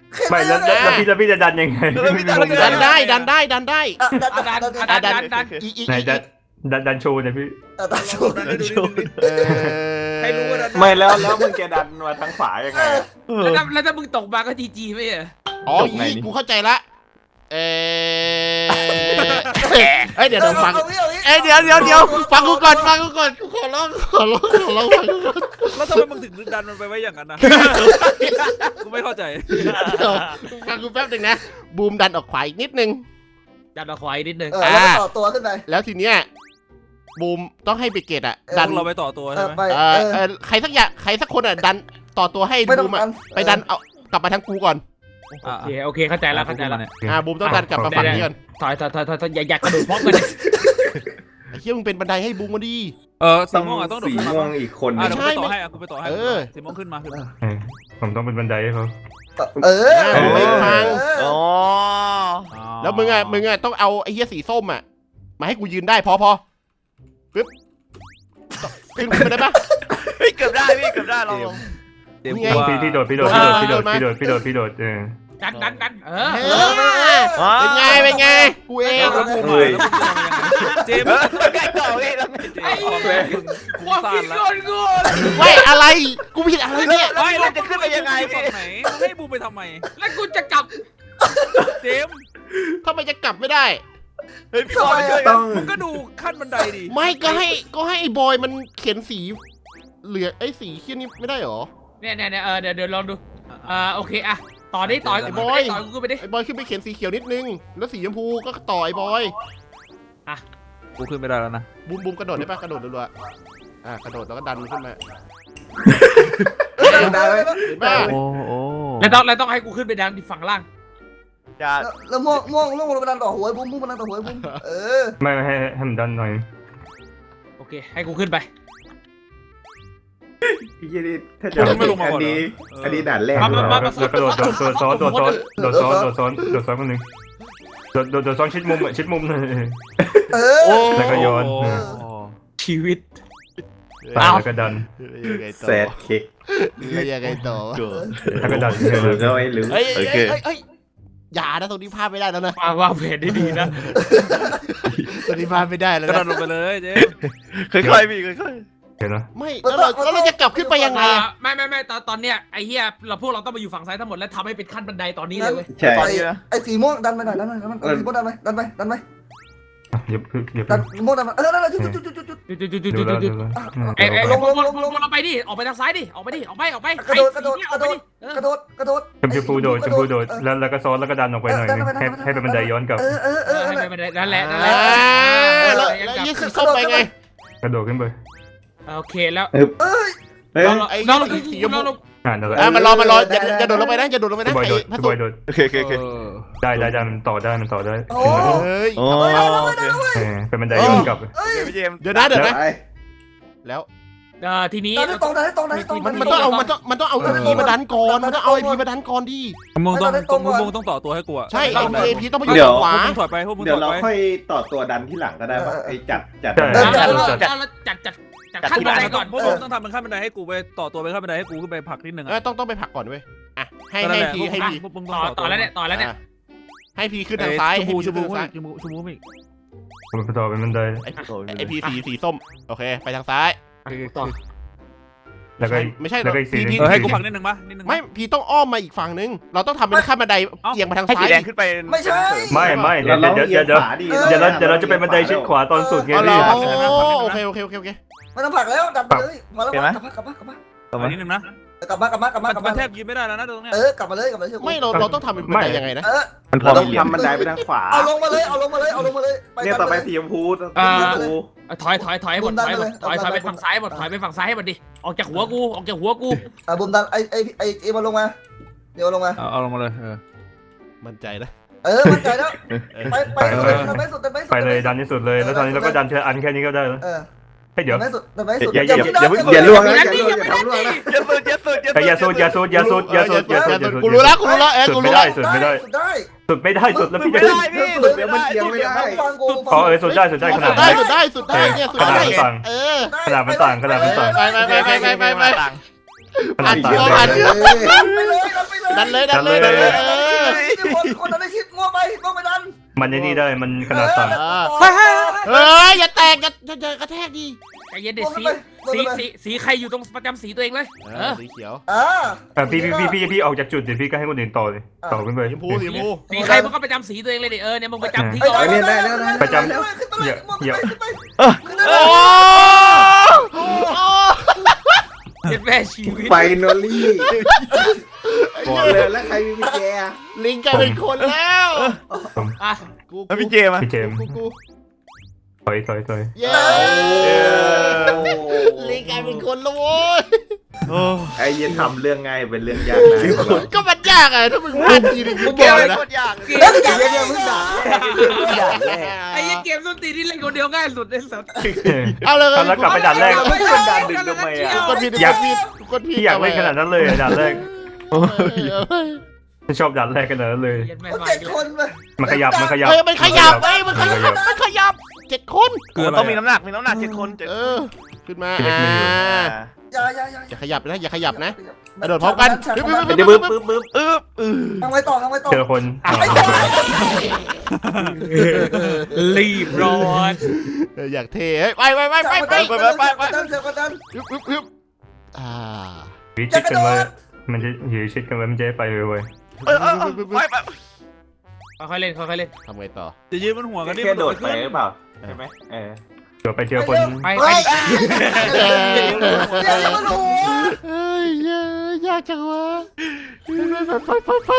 [SPEAKER 3] ไม่แล้วแล้วพี่แล้วพี่จะดันยังไง
[SPEAKER 1] ดันได้ดันได้ดันได้
[SPEAKER 4] ดันดันดัน
[SPEAKER 2] ดั
[SPEAKER 4] ดั
[SPEAKER 2] น
[SPEAKER 4] น
[SPEAKER 2] ดันดัน
[SPEAKER 1] อีอี
[SPEAKER 3] ไหน
[SPEAKER 1] อี
[SPEAKER 3] ดันดันดันโชว์เนี่ยพี่
[SPEAKER 4] ดันชู
[SPEAKER 5] ดันให้ดูนิดนึง
[SPEAKER 1] เออ
[SPEAKER 5] ให้รู้ว่าดัน
[SPEAKER 6] ไม่แล้วแล้วมึงแกดันมาทางขวายังไง
[SPEAKER 2] แล้วถ้าแล้วถ้ามึงตกมาก็จีจีไม่ใช่
[SPEAKER 1] อ๋ออีกูเข้าใจละเออเอ้ยเดี๋ยวเดี๋ยวฟังเอ้ยเดี๋ยวเดี๋ยวเดี๋ยวฟังกูก่อนฟังกูก่อนกูขอร้องขอร้องขอร้องฟังกูก่อน
[SPEAKER 5] แล้วทำไมมึงถึงดันมันไปไว้อย่างนั้นนะกูไม่เข้าใจ
[SPEAKER 1] เดี๋ยวฟังกูแป๊บหนึงนะบูมดันออกขวาอีกนิดนึง
[SPEAKER 2] ดันเอาควายนิดนึง
[SPEAKER 4] เออแล้วต่อตัวขึ้นไป
[SPEAKER 1] แล้วทีเนี้ยบูมต้องให้เบเกตอ่ะดัน
[SPEAKER 5] เราไปต่อตัว
[SPEAKER 4] เอ
[SPEAKER 5] ใช่
[SPEAKER 4] อ
[SPEAKER 5] ไหม
[SPEAKER 4] ไป
[SPEAKER 1] เอ
[SPEAKER 4] เอ
[SPEAKER 1] อ
[SPEAKER 4] อ
[SPEAKER 1] เออใครสักอย่างใครสักคนอ่ะดันต่อตัวให้
[SPEAKER 4] ไม่ต้อ
[SPEAKER 1] บู
[SPEAKER 4] ง
[SPEAKER 1] มอ่ะ
[SPEAKER 4] ดัน
[SPEAKER 1] ไปดันเอากลับมาทางกูก่อน
[SPEAKER 2] โอเคโอเคเข้าใจแล้วเข้าใจแล้ว
[SPEAKER 1] อ่าบูมต้องดันกลับมาฝั่งนี้ก่อน
[SPEAKER 2] ถอยถอยถอยถอยอย่าอย่ากระโดดพร้อมกันเลย
[SPEAKER 1] ไอ้เหี้ยมึงเป็นบันไดให้บูมมาดี
[SPEAKER 5] เออสี
[SPEAKER 6] ต้อง
[SPEAKER 5] ม่วงอ่ะต้องโดด
[SPEAKER 6] สี
[SPEAKER 5] ขึ้นมา
[SPEAKER 6] ม่วงอีกคนนึ
[SPEAKER 5] อ่ะ
[SPEAKER 6] ง
[SPEAKER 5] เดี๋ยวกูไปต่อให้อ่ะกูไปต่อให้
[SPEAKER 1] เออ
[SPEAKER 5] สีม่วงขึ้นมาขึ้นมา
[SPEAKER 3] เออผมต้องเป็นบันไดให้เขา
[SPEAKER 4] เออ
[SPEAKER 1] อ่าไม่ฟัง
[SPEAKER 7] อ๋อ
[SPEAKER 1] แล้วมึงอ่ะมึงอ่ะต้องเอาไอ้เหี้ยสีส้มอ่ะมาให้กูยืนได้พอพอปึ๊บขึ้นไปได้ปะ
[SPEAKER 7] เฮ้ยเกือบได้พี่เกือบได้ลองลอง
[SPEAKER 5] เดี๋ยว
[SPEAKER 1] นี่
[SPEAKER 5] กู
[SPEAKER 1] ไง
[SPEAKER 5] ว่า
[SPEAKER 3] พี่พี่โดดพี่โดดพี่โดดพี่โดดพี่โดดพี่โดดพี่โดดเออ
[SPEAKER 2] ดันดันดันเออ
[SPEAKER 1] เออเป็นไงเป็นไงกูเอง
[SPEAKER 5] แล้วกูหมายแล้วมึงจะทำยังไงเจมส์
[SPEAKER 7] ไก่ต่อพี่แล้วไง
[SPEAKER 5] เจมส์ออกเลยมึงกู
[SPEAKER 2] ความ
[SPEAKER 5] ซ่า
[SPEAKER 2] คิ
[SPEAKER 5] น
[SPEAKER 2] ด
[SPEAKER 5] แล้ว
[SPEAKER 2] ก่อนกู
[SPEAKER 1] เฮ้ยอะไรกูผิดอะไรเนี่ย
[SPEAKER 5] ไม่เราจะขึ้นไปยังไงฝั่งไหนให้บูมไปทำไม
[SPEAKER 2] แล้วกูจะกลับ
[SPEAKER 5] เจมส์
[SPEAKER 1] ทำไมจะกลับไม่ได้
[SPEAKER 7] เฮ้ยพี่บอลไปช่วยกั
[SPEAKER 6] ต้
[SPEAKER 7] น
[SPEAKER 6] อง
[SPEAKER 5] มึงก็ดูขั้นบันไดดิ
[SPEAKER 1] ไม่ก็ให้ก็ให้ไอ้บอยมันเขียนสีเหลืองไอ้สีเขียนนี่ไม่ได้หรอ
[SPEAKER 2] เนี่ยเนี่ยเนี่ยเออเดี๋ยวเดี๋ยวลองดูอ่าโอเคอะต่อได้ต่อ
[SPEAKER 1] ไอ้บอย
[SPEAKER 2] ต่อกูไปดิ
[SPEAKER 1] ไอ้บอยขึ้นไปเขียนสีเขียวนิดนึงแล้วสีชมพูก็ต่อไอ้บอย
[SPEAKER 5] กูขึ้นไม่ได้แล้วนะ
[SPEAKER 1] บูมบูมกระโดดได้ปะกระโดดรัวๆอ่ะกระโดดแล้วก็ดันมันขึ้นมา
[SPEAKER 4] ได้ไหม
[SPEAKER 1] เห็นปะ
[SPEAKER 5] โอ้โห
[SPEAKER 2] แล้วต้องแล้วต้องให้กูขึ้นไปดังที่ฝั่งล่าง
[SPEAKER 7] อย่า
[SPEAKER 4] แล้วม่วงม่วงม่วงลงมาดันต่อหัวบุ้มบุ้มมาดันต่อหัวบุ้มเออ
[SPEAKER 3] ไม่ไม่ให้ให้มันดันหน่อย
[SPEAKER 2] โอเคให้กูขึ้นไป
[SPEAKER 6] พี่ยี่นี่ถ้าจะอันนี้อันนี้ด่านแรก
[SPEAKER 2] มามามา
[SPEAKER 3] แล้วก็โดดโดดโดดซ้อนโดดซ้อนโดดซ้อนโดดซ้อนโดดซ้อนคนหนึ่งโดดโดดโดดซ้อนชิดมุมอ่ะชิดมุมเลย
[SPEAKER 4] เออ
[SPEAKER 3] แล้วก็โยน
[SPEAKER 2] ชีวิต
[SPEAKER 3] ตายแล้วก็ดัน
[SPEAKER 1] ยังไงต่อ
[SPEAKER 6] แซดเค้ก
[SPEAKER 1] แล้วยังไงต่อ
[SPEAKER 3] แล้วก็ดัน
[SPEAKER 6] หรือก็ไม่รู้
[SPEAKER 1] เฮ้ยเฮ้ยเฮ้ยเฮ้ยอย่านะตรงนี้พลาดไม่ได้แล้วนะ
[SPEAKER 2] วางวางแผนได้ดีนะ
[SPEAKER 1] ตรงนี้พลาดไม่ได้แล้ว
[SPEAKER 5] กระโดด
[SPEAKER 1] นะ
[SPEAKER 5] ลงไปเลยเจมส์
[SPEAKER 7] ค่อยๆพี่ค่อย
[SPEAKER 3] เห็นไหม
[SPEAKER 1] ไม่แล้วเราแล้วเราจะกลับขึ้นไปยังไง
[SPEAKER 2] อ่า
[SPEAKER 1] อะ
[SPEAKER 2] ไม่ไม่ไม่ตอนตอนเนี้ยไอ้เหี้ยเราพวกเราต้องมาอยู่ฝั่งซ้ายทั้งหมดแล้วทำให้เป็นขั้นบันไดตอนนี้เลยเว้ย
[SPEAKER 6] ใช่
[SPEAKER 4] ไอ้ไอ้สีม่วงดันไปหน่อยดันไปดันไปสีม่วงดันไปดันไปดันไป
[SPEAKER 3] อย่าพึ่งอย่า
[SPEAKER 4] ดั
[SPEAKER 3] พึ่
[SPEAKER 4] น
[SPEAKER 3] ง
[SPEAKER 4] ม่วงดันไปเออนั่นแหละจุดจุดจุดจุดจุด
[SPEAKER 2] จุดจุดจุด
[SPEAKER 3] ดู
[SPEAKER 2] จุด
[SPEAKER 3] แล้ว
[SPEAKER 2] จุ
[SPEAKER 3] ดู
[SPEAKER 2] ด
[SPEAKER 3] แล้ว
[SPEAKER 2] ไอ้ไอ้
[SPEAKER 4] ล
[SPEAKER 2] ล
[SPEAKER 4] ง
[SPEAKER 2] ง
[SPEAKER 4] ล
[SPEAKER 2] ล
[SPEAKER 4] ง
[SPEAKER 2] ง
[SPEAKER 4] ล
[SPEAKER 2] ล
[SPEAKER 4] ง
[SPEAKER 2] ง
[SPEAKER 4] ล
[SPEAKER 2] ล
[SPEAKER 4] ง
[SPEAKER 2] งเราไปดิออกไปทางซ้ายดิออกไปดิออกไปออกไป
[SPEAKER 4] กระโดดกระโดดกระโดด
[SPEAKER 2] เออก
[SPEAKER 4] ระโดดกระโดด
[SPEAKER 3] ชมพูโดดชมพูโดดแล้วแล้วก็ซ้อนแล้วก็ดันออกไปหน่อยนึงให้ให้เป็นบันไดย้อนกลับ
[SPEAKER 4] เออเออเอ
[SPEAKER 2] เอ
[SPEAKER 4] อ
[SPEAKER 2] อ
[SPEAKER 4] นั่นแหละ
[SPEAKER 2] ให้ไปนั่นแหละนั่นแห
[SPEAKER 1] อ่า
[SPEAKER 2] ละ
[SPEAKER 1] แล้วแล้วยี่สีส้มไปไง
[SPEAKER 3] กระโดดขึ้นไป
[SPEAKER 2] โอเคแล้ว
[SPEAKER 4] เอ้ย
[SPEAKER 6] เฮ้ย
[SPEAKER 1] ไอ้
[SPEAKER 2] น้องลง
[SPEAKER 1] สีชมพู
[SPEAKER 2] น้องลง
[SPEAKER 3] อ่านั่นแหละ
[SPEAKER 1] อ่ะมันรอมันรออย่าอย่าโดดลงไปนะอย่าโดดลงไป
[SPEAKER 3] พี่
[SPEAKER 1] นะ
[SPEAKER 3] บอยโดด
[SPEAKER 1] ไอ้
[SPEAKER 3] พี่บอยโดด
[SPEAKER 7] ๆโอเคโอเคโอเค
[SPEAKER 3] ได้ได้ได้มันต่อได้มันต่อได้
[SPEAKER 4] โอ้
[SPEAKER 1] เฮ้ย
[SPEAKER 7] โอ้โอเค
[SPEAKER 3] เออเป็นบันไดย้อนกลับ
[SPEAKER 4] เอ้ย
[SPEAKER 7] โอเคพี่เจมส์
[SPEAKER 1] เดี๋ยวนะเดี๋ยวนะ
[SPEAKER 6] ไป
[SPEAKER 1] แล้ว
[SPEAKER 2] เออทีนี้
[SPEAKER 4] ดันให้ตรงดันให้ตรงดันให้ตรง
[SPEAKER 1] มันมันต้องเอามันต้องมันต้องเอาไอพีมาดันก่อนมันต้องเอาไอพีมาดันก่อนดิ
[SPEAKER 5] มึงต้องต้องมึงต้องต่อตัวให้กูอะ
[SPEAKER 1] ใช่ไอพีไอพีต้องไปอยู่ฝั่งขวา
[SPEAKER 5] พวกมึงถอยไปพวกมึง
[SPEAKER 6] เดี๋
[SPEAKER 5] ถ
[SPEAKER 6] ยว
[SPEAKER 5] อย
[SPEAKER 6] เรา
[SPEAKER 5] ไป
[SPEAKER 6] ค่อยต่อตัวดันที่หลังก็ได้ป่ะไอ้จัดจัด
[SPEAKER 3] ใช่
[SPEAKER 2] เรา
[SPEAKER 3] ใช่
[SPEAKER 2] เรา
[SPEAKER 3] ใช่
[SPEAKER 2] เราจัดจัดจัดขั้นบันไดก่อน
[SPEAKER 5] พวกมึงต้องทำเป็นขั้นบันไดให้กูไปต่อตัวเป็นขั้นบันไดให้กูขึ้นไปผลักนิดนึง
[SPEAKER 1] เออ
[SPEAKER 5] อะ
[SPEAKER 1] ต้องต้องไปผลักก่อนเว้ยอ่ะให้
[SPEAKER 5] ก็นั่น
[SPEAKER 1] ให้
[SPEAKER 5] แหละ
[SPEAKER 1] พีให้พี
[SPEAKER 5] พวกมึง
[SPEAKER 2] ต่อต่อแล้วเนี่ยต่อแล้วเนี่ย
[SPEAKER 1] ให้พีขึ้นทางซ้าย
[SPEAKER 5] ชมพู
[SPEAKER 1] ให้
[SPEAKER 5] ช
[SPEAKER 1] พี
[SPEAKER 5] ม
[SPEAKER 1] ขึ้
[SPEAKER 5] พู
[SPEAKER 1] นทางซ้าย
[SPEAKER 5] ชมพูชมพูอีก
[SPEAKER 3] ผมต่อเป็นบันได
[SPEAKER 1] ไอพีสีสีส้มโอเคไปทางซ้าย
[SPEAKER 2] ต่อ
[SPEAKER 3] แล้วก็
[SPEAKER 1] ไม่ใช่
[SPEAKER 3] แล้วก็อีกสีนึง
[SPEAKER 5] เออให้กูผลักนิดนึงปะนิดนึง
[SPEAKER 1] ไม่พีต้องอ้อมมาอีกฝั่งนึงเราต้องทำเป็นขั้นบันไดเอียงมาทาง
[SPEAKER 7] ให้
[SPEAKER 1] ซ้า
[SPEAKER 7] สี
[SPEAKER 1] ย
[SPEAKER 7] แดงขึ้นไป
[SPEAKER 4] ไม่ใช่
[SPEAKER 3] ไม่ไม่เดี๋ยว
[SPEAKER 6] เรา
[SPEAKER 3] เดี๋ยว
[SPEAKER 6] เอีย
[SPEAKER 3] เดี๋ยว
[SPEAKER 6] ง
[SPEAKER 3] เดี๋ยว
[SPEAKER 6] ขวาดี
[SPEAKER 3] เดี๋ยวเราเดี๋ยวเราจะเป็นบันไดชิดขวาตอนสุดไง
[SPEAKER 1] อ๋อเหร
[SPEAKER 3] พี่
[SPEAKER 1] อโอเคโอเคโอเคโอเค
[SPEAKER 4] ไม่ต้องผลักแล้วดันไปเลยพอแล้วกลับมากลับมากลับมา
[SPEAKER 5] ประมาณนิดนึงนะ
[SPEAKER 4] กลับมากลับมากลับ
[SPEAKER 5] มั
[SPEAKER 4] มาน กลับ
[SPEAKER 5] มั
[SPEAKER 4] มาน
[SPEAKER 5] แทบยืนไม่ได้แล้วนะตรงเนี้ย
[SPEAKER 4] เออกลับมาเลยกลับมาเลย
[SPEAKER 1] ไม่เราเราต้องทำเป็นบันไดยังไงนะ
[SPEAKER 4] เออ
[SPEAKER 7] มันพอ
[SPEAKER 6] เราต้อง
[SPEAKER 7] มีเหลี่ยม
[SPEAKER 6] ทำบันไดไปทางขวา
[SPEAKER 4] เอาลงมาเลยเอาลงมาเลยเอาลงมาเลย
[SPEAKER 6] เนี่ยต่อไปสีชมพูสีชมพู
[SPEAKER 2] ถอยถอยถอยหมดถอยหมดถอยถอยไปฝั่งซ้ายหมดถอยไปฝั่งซ้ายให้หมดดิออกจากหัวกูออกจากหัวกู
[SPEAKER 4] อ่ะบุมดันไอไอไอเอมาลงมาเดี๋ยวลงมา
[SPEAKER 5] เอาเอาลงมาเลยเออ
[SPEAKER 1] มั่นใจนะ
[SPEAKER 4] เออมั่นใจแล้วไปไปดันไปสุดดันไปสุด
[SPEAKER 3] ไปเลยดันที่สุดเลยแล้วตอนนี้เราก็ดันเธออันแค่นี้ก็ได้แล้ว
[SPEAKER 4] เออ
[SPEAKER 3] ให้เดี๋ยว
[SPEAKER 4] ดันไปสุดดันไปสุด
[SPEAKER 6] อย่าอย่าอย่าอย่าล่วงนะอย่าล่วงอย่าทำล่วงนะ
[SPEAKER 7] เยอะสุดเยอะสุดเยอะ
[SPEAKER 3] แต่อย่าสุดอย่าสุดอย่าสุดอย่าสุดอย่าสุดอย่าสุด
[SPEAKER 1] กูรู้แล้วกูรู้แล้วเออ
[SPEAKER 3] สุด
[SPEAKER 1] กู
[SPEAKER 3] ไม่
[SPEAKER 1] รู้
[SPEAKER 3] ได้
[SPEAKER 1] แล้ว
[SPEAKER 3] สุดไม่ได้
[SPEAKER 4] สุดได้
[SPEAKER 3] สุดไม่ได้สุดแล้วพี่
[SPEAKER 7] ไม่
[SPEAKER 3] จะ
[SPEAKER 7] ได้พี่
[SPEAKER 6] สุดเดี๋ยวมันเอียงไม่ได้
[SPEAKER 4] ฟังกู
[SPEAKER 3] อ๋อเออสุดได้สุดได้ขนาด
[SPEAKER 1] ได้
[SPEAKER 3] นี้
[SPEAKER 1] สุดได้สุดได้เนี่ยสุดได้เออ
[SPEAKER 3] ขนาดมันต่างขนาดมันต่าง
[SPEAKER 1] ไปไปไปไปไปไปไปผ่านเชื่อผ่านเชื่อ
[SPEAKER 4] ดันไปเลยดันไปเลย
[SPEAKER 1] ดันเลยดันเลยดันเลยเออ
[SPEAKER 4] คนคนนั้นได้ชิดง่วงไปง่วงไปดัน
[SPEAKER 3] มันในนี่ได้มันขนาดต่าง
[SPEAKER 1] เฮ้ยอย่าแตกอย่าอย่ากระแทกดิ
[SPEAKER 2] ใจเย็นเด็ดสีสีสีสีใครอยู่ตรงประจำสีตัวเองเลย
[SPEAKER 1] เอ
[SPEAKER 2] เอ
[SPEAKER 1] อ
[SPEAKER 2] อ
[SPEAKER 1] สีเขียว
[SPEAKER 4] อ่า
[SPEAKER 3] อ่ะพี่พี่พี่พี่พี่ออกจากจุดเดี๋ยวพี่ก็ให้คนอื่นต่อเลยต่อขึ้นไป
[SPEAKER 1] สีชมพูสีชมพู
[SPEAKER 2] สีใครมันก็ประจำสีตัวเองเลยดิเออเนี่ยมึงประจำที่
[SPEAKER 4] ไอ้
[SPEAKER 2] ก่อน
[SPEAKER 4] เนี่ยได้ได้ได้
[SPEAKER 3] ประจำ
[SPEAKER 4] ขึ้นไปเลยง่วงขึ้นไปขึ้นไป
[SPEAKER 1] โอ้โอ้
[SPEAKER 2] เจ็บแม่ชีวิต
[SPEAKER 6] ไฟนอลี่บอกเลยแล้วใครมีกุญแจ
[SPEAKER 1] ลิงกลายเป็นคนแล้ว
[SPEAKER 2] อ่ะ
[SPEAKER 1] กู
[SPEAKER 7] แล้วพี่เจมา
[SPEAKER 3] พี่เจมส์
[SPEAKER 1] กูกู
[SPEAKER 3] ถอยถอยถอย
[SPEAKER 1] เย้ลิงกลายเป็นคนแล้วโว้ย
[SPEAKER 6] ไอ้เหี้ยันทำเรื่องง่ายเป็นเรื่องยากนะ
[SPEAKER 1] ก็มันยากอะถ้ามึงพลาดทีนึงกูบ
[SPEAKER 7] เก
[SPEAKER 1] อ
[SPEAKER 7] ม
[SPEAKER 1] กเล
[SPEAKER 7] ไม่
[SPEAKER 1] ยนะ
[SPEAKER 7] โคตรยาก
[SPEAKER 2] เกม
[SPEAKER 4] แล้วอย่าอย่าเพิ่งด่า
[SPEAKER 2] ไอ้เกมส้นตีนที่เล่นคนเดียวง่ายสุดไอ้สัส
[SPEAKER 1] เอาเลย
[SPEAKER 3] แล้วกลับไปด่านแรก
[SPEAKER 4] ไม่เป็นด่านดึงทำไมอ่ะ
[SPEAKER 1] กดผิด
[SPEAKER 3] อยาก
[SPEAKER 1] กดผิดกดผิด
[SPEAKER 3] พี่อยากเล่นขนาดนั้นเลยด่านแรก
[SPEAKER 1] เออ
[SPEAKER 3] ฉันชอบด่านแรกขนาดนั้นเลย
[SPEAKER 2] เย็นแม่
[SPEAKER 4] มัน
[SPEAKER 2] มา
[SPEAKER 4] เจ็ด
[SPEAKER 2] อีก
[SPEAKER 4] คนเลย
[SPEAKER 3] มันขยับมันขยับ
[SPEAKER 1] เฮ้ยมันขยับเฮ้ยมันขยับมันขยับเจ็ดคน
[SPEAKER 5] คืออะไร
[SPEAKER 7] ต้องมีน้ำหนักมีน้ำหนักเจ็ดคนเจ็ด
[SPEAKER 1] เออขึ้นมา
[SPEAKER 3] เจ็ด
[SPEAKER 1] อ่า
[SPEAKER 3] มือ
[SPEAKER 4] อย่าอย่าอย่า
[SPEAKER 1] อย่าขยับนะอย่าขยับนะกระโดดพร้อมกัน
[SPEAKER 6] เดี๋ยวบึ้บบึ้บบึ้บ
[SPEAKER 7] อึ๊บอึ๊บ
[SPEAKER 4] ทำไว้ต่อทำไว้ต่อ
[SPEAKER 3] เจอคน
[SPEAKER 2] รีบร้อน
[SPEAKER 1] เอออยากเท่เฮ้ยไปไปไปไปไป
[SPEAKER 4] ไปไปไปดันเสียกดัน
[SPEAKER 1] ฮึบฮึบฮึบอ่า
[SPEAKER 3] ยืดชิดกันไว้มันจะยืดชิดกันไว้มันจะได้ไปเว้ย
[SPEAKER 7] เออเออเออไปไป
[SPEAKER 2] ค่อยๆเล่นค่อยๆเล่น
[SPEAKER 1] ทำไงต่อ
[SPEAKER 5] จะยืนบนหัวกันดิ
[SPEAKER 6] แค่โดด
[SPEAKER 5] มัน
[SPEAKER 6] ไป
[SPEAKER 5] ขึ้น
[SPEAKER 6] หรือเปล่าใช่ไหมเออ
[SPEAKER 3] เดี๋ยวไปเจอคน
[SPEAKER 2] ไป
[SPEAKER 4] ไป
[SPEAKER 2] ไป
[SPEAKER 4] อย่าอย่ามาหนู
[SPEAKER 1] เฮ้ยยากจังวะไปไปไปไป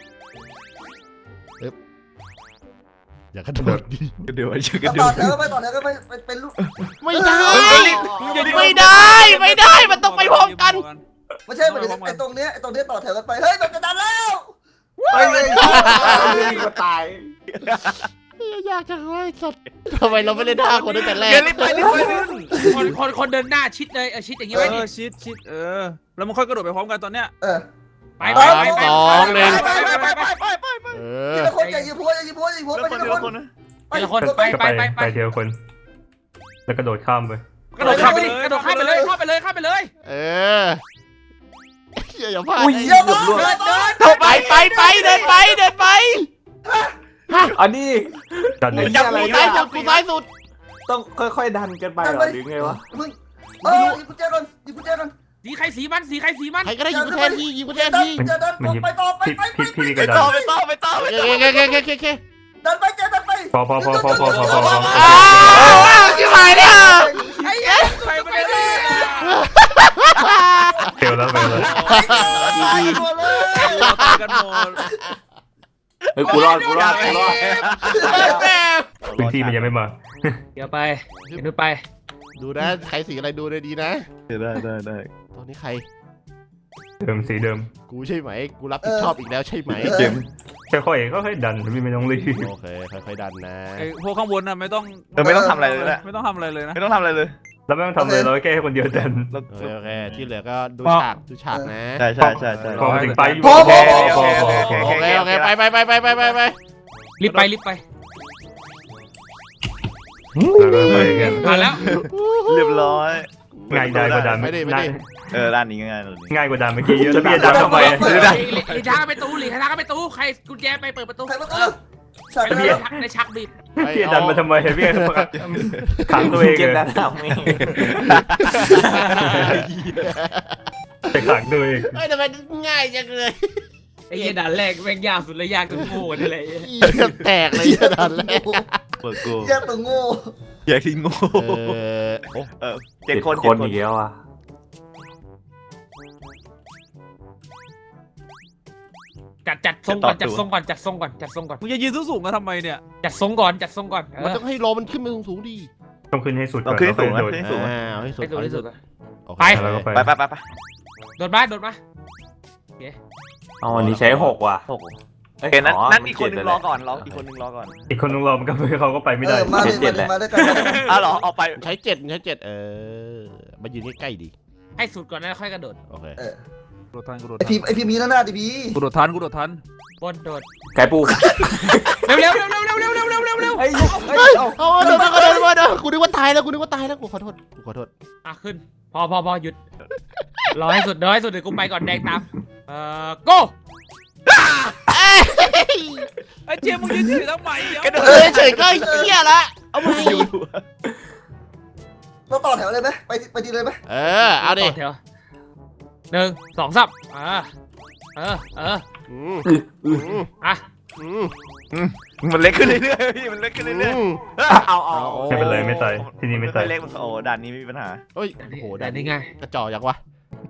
[SPEAKER 1] เอ๊บอย่ากระโดดดิ
[SPEAKER 6] เดี๋ยวไอ้ชื่อ
[SPEAKER 4] ก็ต่อแถวไปต่อแถวก็ไปเป็นลูก
[SPEAKER 1] ไม่ได้ไม่ได้ไม่ได้มันต้องไปพร้อมกัน
[SPEAKER 4] ไม่ใช่เหมือนไอ้ตรงเนี้ยไอ้ตรงเนี้ยต่อแถวกันไปเฮ้ยมันจะดันแล้ว
[SPEAKER 6] ไปเลยก็ตาย
[SPEAKER 1] ยากจังเลยสัตว์ทำไมเราไม่เล่นห้าคนตั้งแต่แรก
[SPEAKER 7] เดี๋ยวรีบไปรีบไป
[SPEAKER 2] คนคนคนเดินหน้าชิดเลยเออชิดอย่างงี้ไว้
[SPEAKER 5] เอ
[SPEAKER 2] ดิ
[SPEAKER 5] อชิดชิดเออแล้วมันค่อยกระโดดไปพร้อมกันตอนเนี้ย
[SPEAKER 4] เออ
[SPEAKER 2] ไปไปไปไป
[SPEAKER 1] สองหนึ่ง
[SPEAKER 2] ไปไปไปไปไปไปไป
[SPEAKER 1] เอ
[SPEAKER 4] ที
[SPEAKER 1] อ
[SPEAKER 4] ละคนอย่ายิงพัวอย่ายิงพัวอย่ายิงพัว
[SPEAKER 7] เดี๋
[SPEAKER 4] ไป
[SPEAKER 7] ยว
[SPEAKER 4] ที
[SPEAKER 7] คน
[SPEAKER 4] ละ
[SPEAKER 7] เดี๋ยว
[SPEAKER 4] คน
[SPEAKER 7] คน
[SPEAKER 2] ไปคนไป
[SPEAKER 3] ก็
[SPEAKER 2] ไป
[SPEAKER 3] ไป
[SPEAKER 2] ไปไป
[SPEAKER 3] ไปเจอคน แล้วกระโดดข้ามไป
[SPEAKER 2] กระโดดข้ามไปดิกระโดดข้ามไปเลยข้ามไปเลยข้ามไปเลย
[SPEAKER 1] เอออย่าอย่าพลาด
[SPEAKER 4] อย่ามา
[SPEAKER 2] เดินเดิน
[SPEAKER 1] ไปไปไปเดินไปเดินไป
[SPEAKER 6] อันนี้
[SPEAKER 3] ดัน
[SPEAKER 6] ไอ้
[SPEAKER 3] เลย
[SPEAKER 6] เหี้ยอะไร
[SPEAKER 1] ซ้า
[SPEAKER 6] เนี่ย ย
[SPEAKER 1] สุดกูซ้ายสุด
[SPEAKER 6] ต้องค่อยๆดันกันไปหรอหรือไงวะ
[SPEAKER 4] มึงเออยิงกุญแจก่อนยิงกุญแจก่อน
[SPEAKER 2] สีใครสีมันสีใครสีมัน
[SPEAKER 1] ใครก็ได้ยิงกุญแจทียิงกุญแจ
[SPEAKER 4] ดัน
[SPEAKER 1] ที
[SPEAKER 4] อย่าดันไปต่อไป
[SPEAKER 3] พี่
[SPEAKER 4] ไปไป
[SPEAKER 3] พี่พี่
[SPEAKER 7] ไป
[SPEAKER 3] ก็ดั
[SPEAKER 7] ต่อน ไปต่อไปต่อไป
[SPEAKER 1] โอ
[SPEAKER 7] ต่อ
[SPEAKER 1] เคโอเคโอเคโอเคโอเค
[SPEAKER 4] ดันไปเจดันไป
[SPEAKER 3] พอพอพอพอพอพอพอพอ
[SPEAKER 1] อ้าวชิบหายเนี่ย
[SPEAKER 2] ไอ้ยัยใครไม่ได้เลย
[SPEAKER 3] เฟลแล้วเฟลแล้ว
[SPEAKER 4] ตายหมดเลย
[SPEAKER 5] เราตายกันหมด
[SPEAKER 6] เฮ้ยกูรอดกูรอดกูรอด
[SPEAKER 1] แม่
[SPEAKER 3] พื้นที่มันยังไม่มา
[SPEAKER 2] เดี๋ยวไปเดี๋ยวไป
[SPEAKER 1] ดูนะใครสีอะไรดูได้ดีนะ
[SPEAKER 7] ได้ได้ได้
[SPEAKER 1] ตัวนี้ใคร
[SPEAKER 3] เดิมสีเดิม
[SPEAKER 1] กูใช่ไหมกูรับผิดชอบอีกแล้วใช่ไหม
[SPEAKER 7] เกม
[SPEAKER 3] ค่อยๆค่อยๆดันพี่ไม่ต้องรีบ
[SPEAKER 1] โอเคค่อยๆดันนะ
[SPEAKER 5] ไอ้พวกข้างบนน่ะไม่ต้อง
[SPEAKER 7] เออไม่ต้องทำอะไรเลยแหละ
[SPEAKER 5] ไม่ต้องทำอะไรเลยนะ
[SPEAKER 7] ไม่ต้องทำอะไรเลย
[SPEAKER 3] แล้วไม่ต้องทำเลยเราแค่ให้คนเดียวดัน
[SPEAKER 7] เรา
[SPEAKER 1] โอเคโอเคที่เหลือก็ดูฉากดูฉากนะ
[SPEAKER 7] ใช่ใช่ใช่ใช่
[SPEAKER 3] พอมาถึงไป
[SPEAKER 4] พอพอ
[SPEAKER 3] พอพอพอ
[SPEAKER 1] โอเคโอเคไปไปไปไปไปไปไป
[SPEAKER 2] รีบไปรีบไป มาแล้ว
[SPEAKER 7] เรียบร้อย
[SPEAKER 3] ง่ายได้กว่าดัน
[SPEAKER 1] ไม่ได้ไม่ได้
[SPEAKER 7] เออด้านนี้ง่ายๆเลย
[SPEAKER 3] ง่ายกว่าดันเมื่อกี้เยอะแล้วพี่จะดันทำไม
[SPEAKER 2] หลีทางไปตู้หลีทางไปตู้ใครกุญแจไปเปิดประตู
[SPEAKER 4] ใครมา
[SPEAKER 2] เอ
[SPEAKER 4] ตู้
[SPEAKER 2] อ
[SPEAKER 4] ฉาก
[SPEAKER 2] ไอ้
[SPEAKER 4] นี้
[SPEAKER 2] เบี้ยในชักบิด
[SPEAKER 3] พี่จะดันมาทำไมพี่ขังตัวเอง
[SPEAKER 6] เก็บ
[SPEAKER 3] เล
[SPEAKER 6] ดั
[SPEAKER 3] ย
[SPEAKER 6] นทำไง
[SPEAKER 3] จะขังตัวเอง
[SPEAKER 1] เฮ้ยทำไมง่ายจังเลย
[SPEAKER 2] ไอ้เหี้ยด่านแรกแม่งยากสุดเลยยากจนโง่อะไร
[SPEAKER 1] แตกเลยดันแรก
[SPEAKER 7] เปิดกู
[SPEAKER 4] แยกตัวโง่
[SPEAKER 7] อยากทิ้งงู
[SPEAKER 1] เออโอ้
[SPEAKER 7] เออเจ็ดคน
[SPEAKER 6] คนอีกแล้วอ่ะ
[SPEAKER 2] จัดจัดทรงก่อนจัดทรงก่อนจัดทรงก่อนจัดทรงก่อน
[SPEAKER 5] มึงจะยืนสูงๆกันทำไมเนี่ย
[SPEAKER 2] จัดทรงก่อนจัดทรงก่อน
[SPEAKER 1] มันต้องให้โลมันขึ้นไปสูงๆดิ
[SPEAKER 3] ต้องขึ้นให้สุด
[SPEAKER 7] เราขึ้นสูงนะขึ้นสูง
[SPEAKER 1] อ่าให้สุด
[SPEAKER 2] ไปตัวที่สุด
[SPEAKER 1] ไป
[SPEAKER 3] แล้วก็ไป
[SPEAKER 7] ไปไปไปไป
[SPEAKER 2] โดดมาโดดมา
[SPEAKER 6] อ๋ออันนี้ใช้หกว่ะ
[SPEAKER 7] หกโอเคนั้นนั่นอีกคนนึงรอก่อนรออีกคนนึงรอก่อน
[SPEAKER 3] อีกคนนึงรอมันก็เขาก็ไปไม่ได้
[SPEAKER 4] เออมาเลยมาเลยมาด้วยกัน
[SPEAKER 7] อ่ะรอเอาไป
[SPEAKER 1] ใช้เจ็ดใช้เจ็ดเออมายืนใกล้ๆดิ
[SPEAKER 2] ให้สุดก่อนแล้วค่อยกระโดด
[SPEAKER 1] โอเค
[SPEAKER 4] เออก
[SPEAKER 5] ระโดดทันกระโดด
[SPEAKER 4] ไอ
[SPEAKER 5] ทั
[SPEAKER 4] พี
[SPEAKER 5] น
[SPEAKER 4] ไอพีมีหน้าหน้าดิพี
[SPEAKER 5] กระโดดทันกระโดดทัน
[SPEAKER 2] บนโดด
[SPEAKER 7] ไก่ปู
[SPEAKER 2] เร็วเร็วเร็วเร็วเร็วเร็วเร็วเร็วเร็ว
[SPEAKER 4] เฮ้ย
[SPEAKER 1] เฮ้ยเอาเดินมาเดินมาเดินกูนึกว่าตายแล้วกูนึกว่าตายแล้วกูขอโทษกูขอโทษ
[SPEAKER 2] อ่ะขึ้นพอพอพอหยุดรอให้สุดรอให้สุดเดี๋ยวกูไปก่อนแดงตามเอ่อ go
[SPEAKER 5] ไอ้เจมมึงยืนเฉยทำไมอ่ะ
[SPEAKER 1] เออเฉยก็เหี้ยละเอาไป
[SPEAKER 4] เราต่อแถวเลยไหมไปไปทีเลยไหม
[SPEAKER 1] เออเอาดิ
[SPEAKER 2] ต่แถวหนึ่งสองสามอ่าเออเออ
[SPEAKER 1] อืมอืม
[SPEAKER 2] อ่ะ
[SPEAKER 1] อืม
[SPEAKER 7] มันเล็กขึ้นเรื่อยๆพี่มันเล็กขึ้นเรื่อย
[SPEAKER 1] อืม
[SPEAKER 7] ๆเอาเอา
[SPEAKER 3] ไม่เป็นไรไม่ตายที่นี่ไม่ตาย
[SPEAKER 7] เล็กมันโอ้ด่านนี้ไม่มีปัญหา
[SPEAKER 1] เฮ้ยโอ้โห
[SPEAKER 2] แต่นี่ไง
[SPEAKER 1] กระจอกยังวะ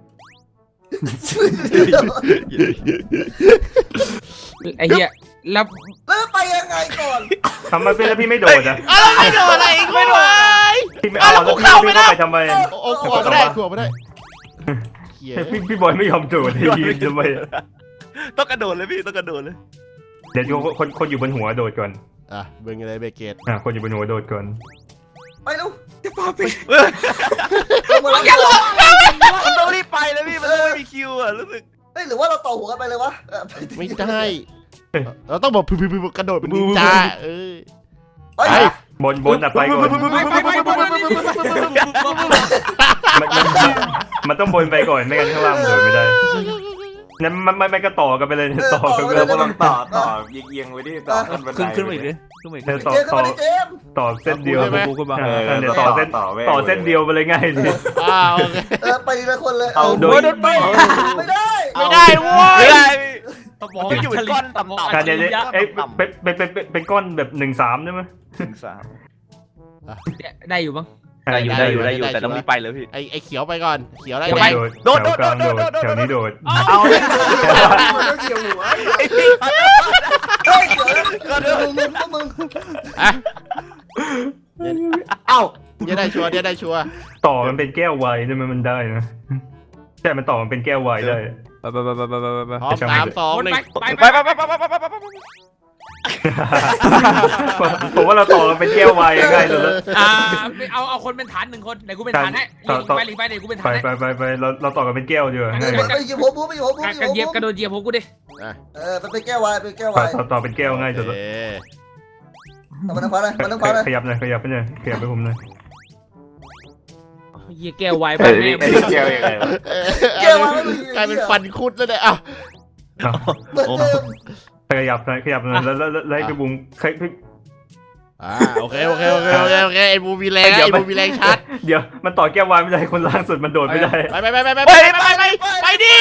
[SPEAKER 2] ไอ้เหี้ยแล้ว
[SPEAKER 4] แล้วไปยังไงก่อน
[SPEAKER 3] ทำไมเป็นแล้วพี่ไม่โดดอ่ะ
[SPEAKER 1] อ้าวไม่โดนอะไรอีกไม่โดน
[SPEAKER 3] พี่ไม่
[SPEAKER 1] อ้าว
[SPEAKER 3] เอา
[SPEAKER 1] แล้ว
[SPEAKER 3] แล้ว
[SPEAKER 1] กู
[SPEAKER 3] พี่
[SPEAKER 1] เข้าไม่ได้
[SPEAKER 3] พี่เข้าไปทำไม
[SPEAKER 1] โอ้ขวบไม่ได้ขวบไม่ได้เหี้ย
[SPEAKER 3] พี่พี่บอยไม่ยอมโดดให้ยืนทำไม
[SPEAKER 7] ต้องกระโดดเลยพี่ต้องกระโดดเลย
[SPEAKER 3] เดี๋ยวคนคนอยู่บนหัวโดดก่อน
[SPEAKER 1] อ่ะเบิ่งอะไรเบเกต
[SPEAKER 3] อ่ะคนอยู่บนหัวโดดก่อน
[SPEAKER 4] ไปเร็ว
[SPEAKER 2] จะพาไป
[SPEAKER 4] มาแล้ว
[SPEAKER 7] มันต้องรีบไปเลยพี่มันต้องไม่มีคิวอ่ะรู้สึก
[SPEAKER 4] เฮ้ยหรือว่าเราต่อหัวกันไปเลยวะ
[SPEAKER 1] ไม่ได้เราต้องบอกพึ่งๆกระโดดเป็นนินจาเออ
[SPEAKER 4] ไป
[SPEAKER 3] บนบนอ่ะไปก่อน
[SPEAKER 2] ไปไปไปไป
[SPEAKER 3] มันมันมันต้องบนไปก่อนไม่งั้นข้างล่างโดดไม่ได้นั้นมันไม่ไม่ก็ต่อกันไปเลยต่อกันไปเลย
[SPEAKER 6] เรากำลังต่อต่อเอียงๆไปที่ต่อขึ้นบันได
[SPEAKER 5] ขึ้นขึ้นมาอีกดิขึ้นมาอีก
[SPEAKER 3] เออต่อ
[SPEAKER 4] เจมส์
[SPEAKER 3] ต่
[SPEAKER 4] เข้า
[SPEAKER 3] อ
[SPEAKER 4] มาดิเจมส์
[SPEAKER 3] ต่อเส้นเดียว
[SPEAKER 5] กูขึ้นมา
[SPEAKER 3] อ่าเนี่ยต่อเส้นต่อเส้นเดียวไปเลยง่ายดิ
[SPEAKER 1] อ้าวโอเค
[SPEAKER 4] เออไปทีละคนเลย
[SPEAKER 3] เอาโดย
[SPEAKER 4] ไม่ได้
[SPEAKER 1] ไม่ได้เว้ย
[SPEAKER 7] ไม่ได้
[SPEAKER 2] ตบมอง
[SPEAKER 7] พี่อยู่เป็นก้อนต่ำๆ
[SPEAKER 3] การเนี่ยเนี่ยเอ้ยเป็นเป็นเป็นเป็นเป็นก้อนแบบหนึ่งสามใช่ไหม
[SPEAKER 7] ถึงสาม
[SPEAKER 2] ได้อยู่บ้าง
[SPEAKER 7] ได้อยู่ได้อยู่ได้อยู่แต่ต้องรีบไปเลยพี่
[SPEAKER 1] ไอไอเขียวไปก่อนเขียวได้
[SPEAKER 2] เขียว
[SPEAKER 1] ไห
[SPEAKER 2] ไป
[SPEAKER 1] ม
[SPEAKER 3] โดดแถวกลางโดดแถวนี้โดด
[SPEAKER 7] เอาเลย
[SPEAKER 6] มันต้องเกี่ยวหัว
[SPEAKER 7] ไอ้พี่
[SPEAKER 4] เฮ้ยเดี๋ยวมึงมึงมึง
[SPEAKER 1] อ่ะ
[SPEAKER 6] เอ้า
[SPEAKER 1] เนี่ยได้ชัวร์เนี่ยได้ชัวร์
[SPEAKER 3] ต่อมันเป็นแก้วไวน์ใช่ไหมมันได้นะใช่มันต่อมันเป็นแก้วไวน์ได้
[SPEAKER 5] ไปไปไปไปไปไปไป
[SPEAKER 1] พร้อมสามสองหนึ่ง
[SPEAKER 2] ไป
[SPEAKER 7] ไปไปไปไปไปไปไป
[SPEAKER 3] ผมว่าเราต่อมันเป็นแก้วไวน์ง่ายสุดแล้ว
[SPEAKER 2] อ่าเอาเอาคนเป็นฐานหนึ่งคนเดี๋ยวกูเป็นฐานให้หลีกไปหลีกไปเดี๋ยวกูเป็น
[SPEAKER 3] ไป
[SPEAKER 2] ฐานให้
[SPEAKER 3] ไปไปไปเราเราต่อกันเป็นแก้วดีกว่าง่าย
[SPEAKER 4] ไปหยิบหัวบูไปหยิบหัวบู
[SPEAKER 2] กระเหยียบกระโดดเหยียบผมกูดิ
[SPEAKER 4] เออเป็นแก้ววายเป็นแก้ว
[SPEAKER 3] ต่อ
[SPEAKER 4] วาย
[SPEAKER 3] ต่อต่อเป็นแก้วง่ายสุดแล้ว
[SPEAKER 1] เอ๊ะ
[SPEAKER 4] มันต้องคว้าเลยมันต้องคว้าเลย
[SPEAKER 3] ขยับหน่อยขยับไปหน่อยขยับไปผมหน่อย
[SPEAKER 2] เยี่ยแก้วไวไป
[SPEAKER 6] ไอ้
[SPEAKER 2] แม่
[SPEAKER 6] นี่ไอ้นี่เกี่ยวยังไงวะ
[SPEAKER 4] แก้ววาย
[SPEAKER 1] กลายเป็นฟันคุดแล้วเนี่ยอ่ะ
[SPEAKER 4] เหมือนเดิม
[SPEAKER 3] ขยับหน่อยขยับหน่อยแล้วแล้วแล้วให้พี่บุ้มใครพี่
[SPEAKER 1] อ่าโอเคโอเคโอเคโอเคโอเคไอ้บูมีแรงไอ้บูมีแรงชัด
[SPEAKER 3] เดี๋ยวมันต่อแก้วไวน์ไม่ได้คนล่างสุดมันโดดไม่ได้
[SPEAKER 1] ไปไปไปไปไปไปไปไปไปดิ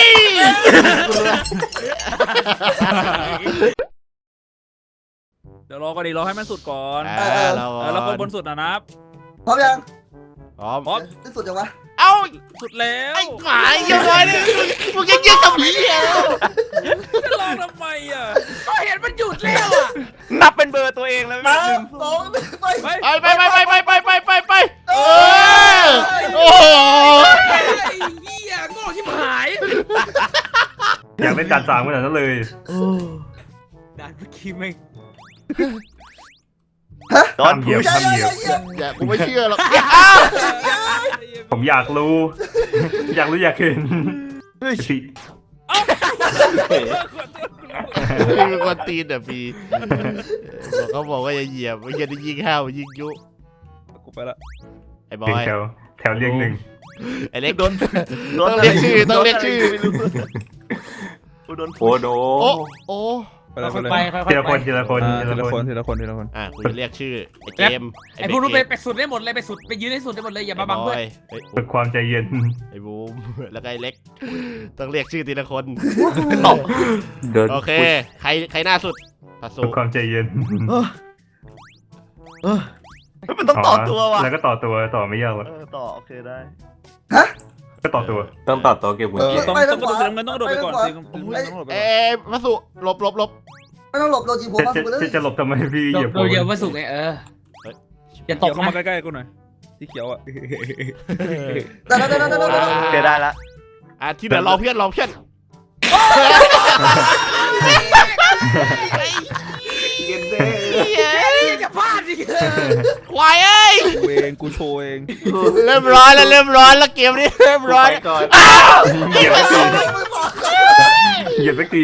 [SPEAKER 5] เดี๋ยวรอก่อนดิรอให้มันสุดก่อน
[SPEAKER 1] อ่าเรา
[SPEAKER 5] เออแล้วคนบนสุดนะนับ
[SPEAKER 4] พร้อมยัง
[SPEAKER 1] พร้อม
[SPEAKER 5] พร้อม
[SPEAKER 4] ที่สุดยังวะ
[SPEAKER 1] เอ้า
[SPEAKER 5] สุดแล้ว
[SPEAKER 1] ไอ้หมาเยอะเลยนี่มึงยังยิงกับผีอ่ะ
[SPEAKER 5] จะรอทำไมอ่ะ
[SPEAKER 2] ก็เห็นมันหยุดแล้วอ่ะ
[SPEAKER 7] นับเป็นเบอร์ตัวเองแล้ว
[SPEAKER 4] สามสองหนึ่งไป
[SPEAKER 5] ไป
[SPEAKER 1] ไปไปไปไปไปไปไปไปเออโอ้โห
[SPEAKER 2] ไอ้เหี้ยโง่ชิบหาย
[SPEAKER 3] อยากเล่นการสางขนาดนั้นเลย
[SPEAKER 2] ด่านเมื่อกี้แม่ง
[SPEAKER 7] ตอน
[SPEAKER 3] เหยี
[SPEAKER 7] พู
[SPEAKER 3] ยบ
[SPEAKER 7] ด
[SPEAKER 3] ห้ามเหยียบ
[SPEAKER 1] อย่ากูไม่เชื่อหรอก
[SPEAKER 3] ผมอยากรู้ อยากรู้อยากเห็นพี่
[SPEAKER 1] พี่เป็นคนตีนอ่ะพี่เขาบอกว่าอย่าเหยียบไม่ใช่ยิงห้าวยิงยุ
[SPEAKER 5] กูไปละ
[SPEAKER 1] ไอ้บอ
[SPEAKER 3] เรียง
[SPEAKER 1] ย
[SPEAKER 3] แถวแถวเรียงหนึ่ง
[SPEAKER 1] ไอ้เล็ก
[SPEAKER 5] โดน
[SPEAKER 1] ต้องเรียกชื่อต้องเรียกชื่อ
[SPEAKER 7] โดน
[SPEAKER 6] โอ้โด
[SPEAKER 1] โอ้โอ้
[SPEAKER 5] ไปเลย
[SPEAKER 2] ค่อย
[SPEAKER 5] ไป
[SPEAKER 2] ไป
[SPEAKER 5] เลย
[SPEAKER 2] ค่อย
[SPEAKER 3] ทีละ
[SPEAKER 2] ไป
[SPEAKER 3] คนทีละคน
[SPEAKER 5] อ่า
[SPEAKER 3] ที
[SPEAKER 5] ที
[SPEAKER 3] ละ
[SPEAKER 5] ละ
[SPEAKER 3] ค
[SPEAKER 5] คน
[SPEAKER 3] น
[SPEAKER 5] ทีละคนทีละคน
[SPEAKER 1] อ่ะกูจะเรียกชื่อไอ้เจม
[SPEAKER 2] ไอ้พวกนู้นไปไปสุดได้หมดเลยไปสุดไปยืนให้สุดได้หมดเลยอย่ามาบังเพื่อน
[SPEAKER 3] ฝึกความใจเย็น
[SPEAKER 1] ไอ้บูมแล้วก็ไอ้เล็กต้องเรียกชื่อทีละคน
[SPEAKER 6] เดิน
[SPEAKER 1] โอเคใครใครหน้าสุดพาสุ
[SPEAKER 3] ฝึกความใจเย็น
[SPEAKER 7] มันต้องต่อตัวว่ะ
[SPEAKER 3] แล้วก็ต่อตัวต่อไม่ยากหรอก
[SPEAKER 7] เออต่อโอเคได้
[SPEAKER 3] ก็ต่อตัว
[SPEAKER 6] ต้องตัดตัวเก็บหัว
[SPEAKER 5] ต้องต้องกระโดดเงินต้องกระโดดไปก่อนสิต้องกระโดดไป
[SPEAKER 1] เอ๊
[SPEAKER 5] ก่อนะ
[SPEAKER 1] พาสุหลบหลบหลบ
[SPEAKER 4] ไม่ต้องหลบโดนยิงหัว
[SPEAKER 3] จะ
[SPEAKER 4] มา
[SPEAKER 3] จะ
[SPEAKER 4] สุดเลย
[SPEAKER 3] จะจะหลบทำไมพี่เหยียบผ
[SPEAKER 2] เรา
[SPEAKER 3] ม
[SPEAKER 2] เดียวว่าสุกไงเอออย่าต
[SPEAKER 5] เขีย
[SPEAKER 2] ก
[SPEAKER 5] วเข้า
[SPEAKER 2] นะ
[SPEAKER 5] มาใกล้ๆกูหน่อยสีเขียวอ่ะ
[SPEAKER 4] ได้ได้ได้ได้ได้
[SPEAKER 7] โอเคได้ละ
[SPEAKER 1] อ่ะที่เหลือรอเพื่อนรอเพื่อน
[SPEAKER 6] เย็นเด้
[SPEAKER 2] อย่าพลาดดิ
[SPEAKER 1] ควายเอ้ย
[SPEAKER 5] กูเองกูโชว์เอง
[SPEAKER 1] เริ่มร้อนแล้วเริ่มร้อนแล้วเกมนี้เริ่มร้อน
[SPEAKER 6] ก่อน
[SPEAKER 3] เหยียบไม่ถึง
[SPEAKER 1] เ
[SPEAKER 3] เหยียบสักที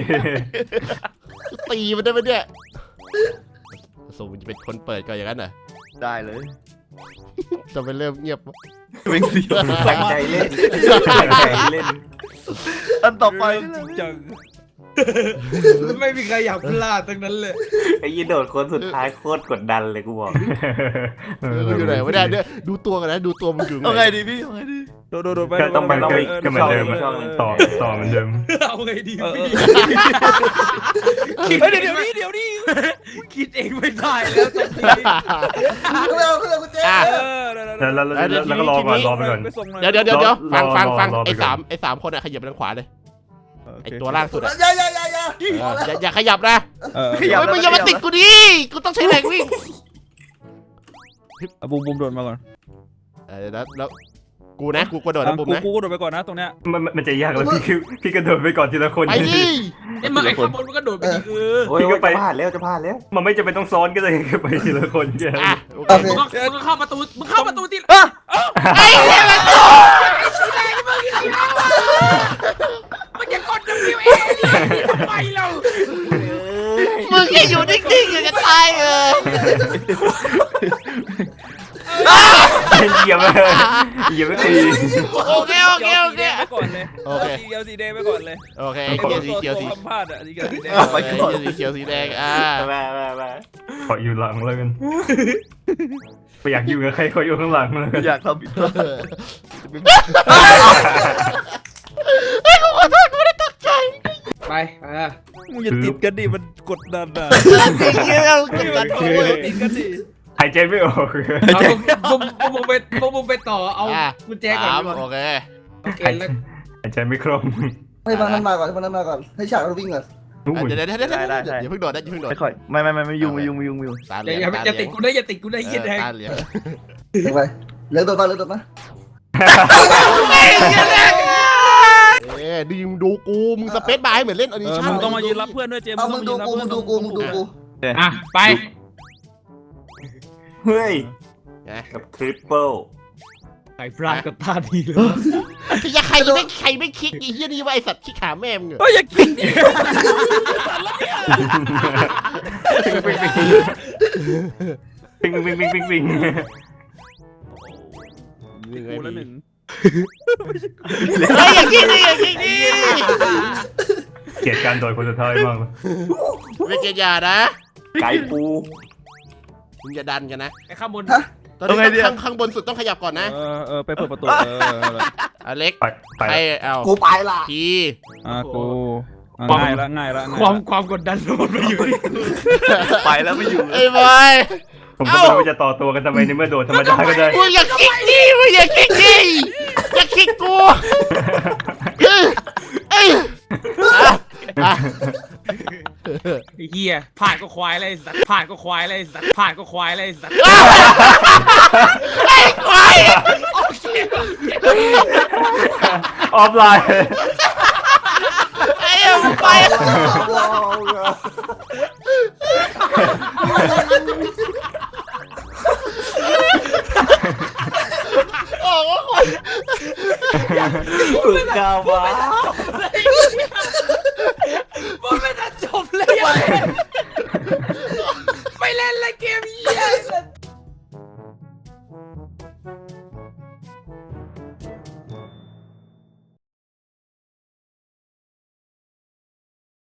[SPEAKER 1] ตีมันได้ไหมเนี่ยสูมันจะเป็นคนเปิดก่อนอย่างนั้นเหรอ
[SPEAKER 7] ได้เลย
[SPEAKER 1] จะไปเริ่มเงียบ
[SPEAKER 7] เป็นสีตั้งใจเล่นตั้งใจเล่นอันต่อไป
[SPEAKER 5] จริงจัง
[SPEAKER 2] ไม่มีใครอยากพลาดทั้งนั้นเลย
[SPEAKER 7] ไอ้ยีโดดคนสุดท้ายโคตรกดดันเลยกูบอก
[SPEAKER 1] มันอยู่ไหนไม่ได้เนี่ยดูตัวกันนะดูตัวมันอยู่ไหน
[SPEAKER 7] เอาไงดีพี่เอาไงดี
[SPEAKER 5] โดดโดดโดดไป
[SPEAKER 3] ก็ต้องมัน
[SPEAKER 5] โดด
[SPEAKER 3] ก็
[SPEAKER 5] ไป
[SPEAKER 3] ก็เหมือนเดิม
[SPEAKER 5] ออ
[SPEAKER 3] ต่อต่อเหมือนเดิม
[SPEAKER 2] เอาไงดี
[SPEAKER 5] เออ
[SPEAKER 2] พี่
[SPEAKER 5] เออเฮ้ยเดี๋ยวนี้เดี๋ยวนี้
[SPEAKER 2] คิดเองไม่ได้แล้วตอนนี้
[SPEAKER 4] ขึ้นไปเอาขึ้นไปเอากุญแจ
[SPEAKER 1] อ่ะ
[SPEAKER 5] เออเดี๋ยว
[SPEAKER 3] แล้วแล้วแล้วแล้วก็รอก่อนรอไปก่อน
[SPEAKER 5] ไปส่งหน่อย
[SPEAKER 1] เดี๋ยวเดี๋ยวเดี๋ยวเดี๋ยวฟังฟังฟัง
[SPEAKER 3] รอรอไป
[SPEAKER 1] ไอ้
[SPEAKER 3] ก่อน
[SPEAKER 1] สามไอ้สามคนอะขยับไปทางขวาเลย
[SPEAKER 5] โอเค
[SPEAKER 1] ไอ้ตัวล่างสุดอะ
[SPEAKER 4] อย่าอย่าอย่าอย่า
[SPEAKER 1] เอออย่าอย่าขยับนะ
[SPEAKER 5] เออ
[SPEAKER 7] ขยับ
[SPEAKER 1] เฮ้ยมึงอย่ามาติดกูดิกูต้องใช้แรงวิ่ง
[SPEAKER 5] เอาบูมบูมโดดมาก่อน
[SPEAKER 1] เออแล้วแล้วกูนะกูกระโดดนะ
[SPEAKER 5] กู
[SPEAKER 1] บุ้มนะ
[SPEAKER 5] กูก็โดดไปก่อนนะตรงเนี้ย
[SPEAKER 3] มันมันจะยากแล้วพี่คือพี่กระโดดไปก่อนทีละคน
[SPEAKER 1] ไปดิ
[SPEAKER 2] ไอ้มาไอ้ข้างบนมันก็โดดไปดิเออ
[SPEAKER 7] โอ้ยจะพลาดแล้วจะพลาดแล้ว
[SPEAKER 3] มันไม่จำเป็นต้องซ้อนก็เลยไปทีละคนแค่
[SPEAKER 1] อ่ะโอ
[SPEAKER 4] โอ
[SPEAKER 1] เค
[SPEAKER 4] เค
[SPEAKER 2] มึงก็มึงก็เข้าประตูมึงเข้าประตูที่
[SPEAKER 1] ไอ้เหี้ยมัน
[SPEAKER 2] มันจะกดดันวิวเองทำไมเรา
[SPEAKER 1] มึงแค่อยู่นิ่งๆอย่างจะตายเออ
[SPEAKER 3] เหยียบเลยเหยียบไม่ตี
[SPEAKER 1] โอเคโอเคโอเค
[SPEAKER 5] ไปก่อนเลย
[SPEAKER 1] โอเค
[SPEAKER 5] เกียวสีแดงไปก่อนเลย
[SPEAKER 1] โอเคไอ้เกียร์สีเขียวสี
[SPEAKER 5] ตัวสัมภาษณ์อ่ะสีเขียวสีแดง
[SPEAKER 1] ไอ้เกียร์สีเขียวสีแดงอ่า
[SPEAKER 7] มามามา
[SPEAKER 3] ขออยู่หลังแล้วกันไม่อยากอยู่กับใครขออยู่ข้างหลังแล้วกัน
[SPEAKER 7] อยากทำผิดพลาด
[SPEAKER 1] ไอ้กูขอโทษกูไม่ได้ตั้งใจ
[SPEAKER 2] ไปอ่ะ
[SPEAKER 5] มึงอย่าติดกันดิมันกดดันอ่ะ
[SPEAKER 1] จริงๆเรากดดัน
[SPEAKER 5] โอ้
[SPEAKER 1] กู
[SPEAKER 5] ยติดกันดิ
[SPEAKER 3] หายใจไม่ออก
[SPEAKER 2] เอาบุมบุมไปบุมไปต่อเอากุญแจก่อน
[SPEAKER 1] สาม
[SPEAKER 2] ดีกว่า
[SPEAKER 1] โอเค
[SPEAKER 2] โอเคแล้ว
[SPEAKER 3] หายใจไม่คล่อง
[SPEAKER 4] ให้มันนั้นมาก่อนให้มันนั้นมาก่อนให้ฉากเราวิ่งก่อน
[SPEAKER 3] นู้น
[SPEAKER 1] เดี๋ยวเดี๋ยวเดี๋ยวเดี๋ยวอย่าเพิ่งโดดนะอย่าเพิ่งโดด
[SPEAKER 7] ไม่ค่อยไม่ไม่ไม่ไม่ยุ่งไม่ยุ่งไม่ยุ่งไม่ยุ่ง
[SPEAKER 1] ตาเห
[SPEAKER 2] อ
[SPEAKER 1] ลีย
[SPEAKER 2] ย่าอย่าติดกูได้อย่าติดกูได้ยินแดง
[SPEAKER 1] ตาเหลีย
[SPEAKER 4] เห็นไปเลือกตัวมาเลือกตัวมา
[SPEAKER 1] เอ้ยดิมดูกูมึงสเปซบาร์ให้เหมือนเล่นออดิ
[SPEAKER 5] เออ
[SPEAKER 1] ชั่น
[SPEAKER 5] มึงต้องมายืนรับเพื่อนด้วยเจมส์
[SPEAKER 4] เอา
[SPEAKER 5] มึ
[SPEAKER 4] มึ
[SPEAKER 5] ง
[SPEAKER 4] ง
[SPEAKER 5] ต้
[SPEAKER 4] ดู
[SPEAKER 5] องมายืนรับ
[SPEAKER 4] กู
[SPEAKER 5] เพื่อน
[SPEAKER 4] มึงดูกูมึงดูกู
[SPEAKER 2] อ่ะไป
[SPEAKER 7] เฮ้ยกับทริปเปิล
[SPEAKER 2] ไอ้พลาดก็ท่าดีเลย
[SPEAKER 1] อย่าใครไม่ใครไม่คิกไอ้เหี้ยนี่ว่าไอ้สัตว์ขี้ขาแม่มึงเหรอ
[SPEAKER 5] เฮ้ยอย่าคิดดิ
[SPEAKER 3] ปิงปิงปิงปิงปิง
[SPEAKER 5] กูละหนึ่ง
[SPEAKER 1] เฮ้ยอย่าคิกดิอย่าคิกดิ
[SPEAKER 3] เกลียดการโดดคนสุดท้ายมาก
[SPEAKER 1] ไม่เกียร์ยานะ
[SPEAKER 7] ไก่ปู
[SPEAKER 1] มึงอย่าดันกันนะ
[SPEAKER 2] ไอ้ข้างบน
[SPEAKER 1] ตอนนี้ข้างข้างบนสุดต้องขยับก่อนนะ
[SPEAKER 5] เออเออไปเปิดประตูเออ
[SPEAKER 1] อเล็ก
[SPEAKER 3] ไปไป
[SPEAKER 1] ไปเอา
[SPEAKER 4] กูไปละ
[SPEAKER 1] พี
[SPEAKER 5] อ่ะกูง่ายละง่ายละ
[SPEAKER 2] ความความกดดันมันไปอยู่ที่
[SPEAKER 7] ไปแล้วไม่อยู่
[SPEAKER 1] ไอ้บอย
[SPEAKER 3] ผมก็ไม่รู้ว่าจะต่อตัวกันทำไมในเมื่อโดดธรรมดาก็ได้
[SPEAKER 1] มึงอย่าคิกดิมึงอย่าคิกดิอย่าคิกกูเอ้ยเอ้ยอ่ะอ่ะ
[SPEAKER 2] ไอ้เหี้ยผ่านก็ควายเลยสัตว์ผ่านก็ควายเลยสัตว์ผ่านก็ควายเลยสัตว์
[SPEAKER 1] ไอ้ควาย
[SPEAKER 3] ออฟไลน์
[SPEAKER 1] ไอ้เอาไปโอ้โห
[SPEAKER 7] ฝึกกาวา
[SPEAKER 2] มันไม่ทันจบเลย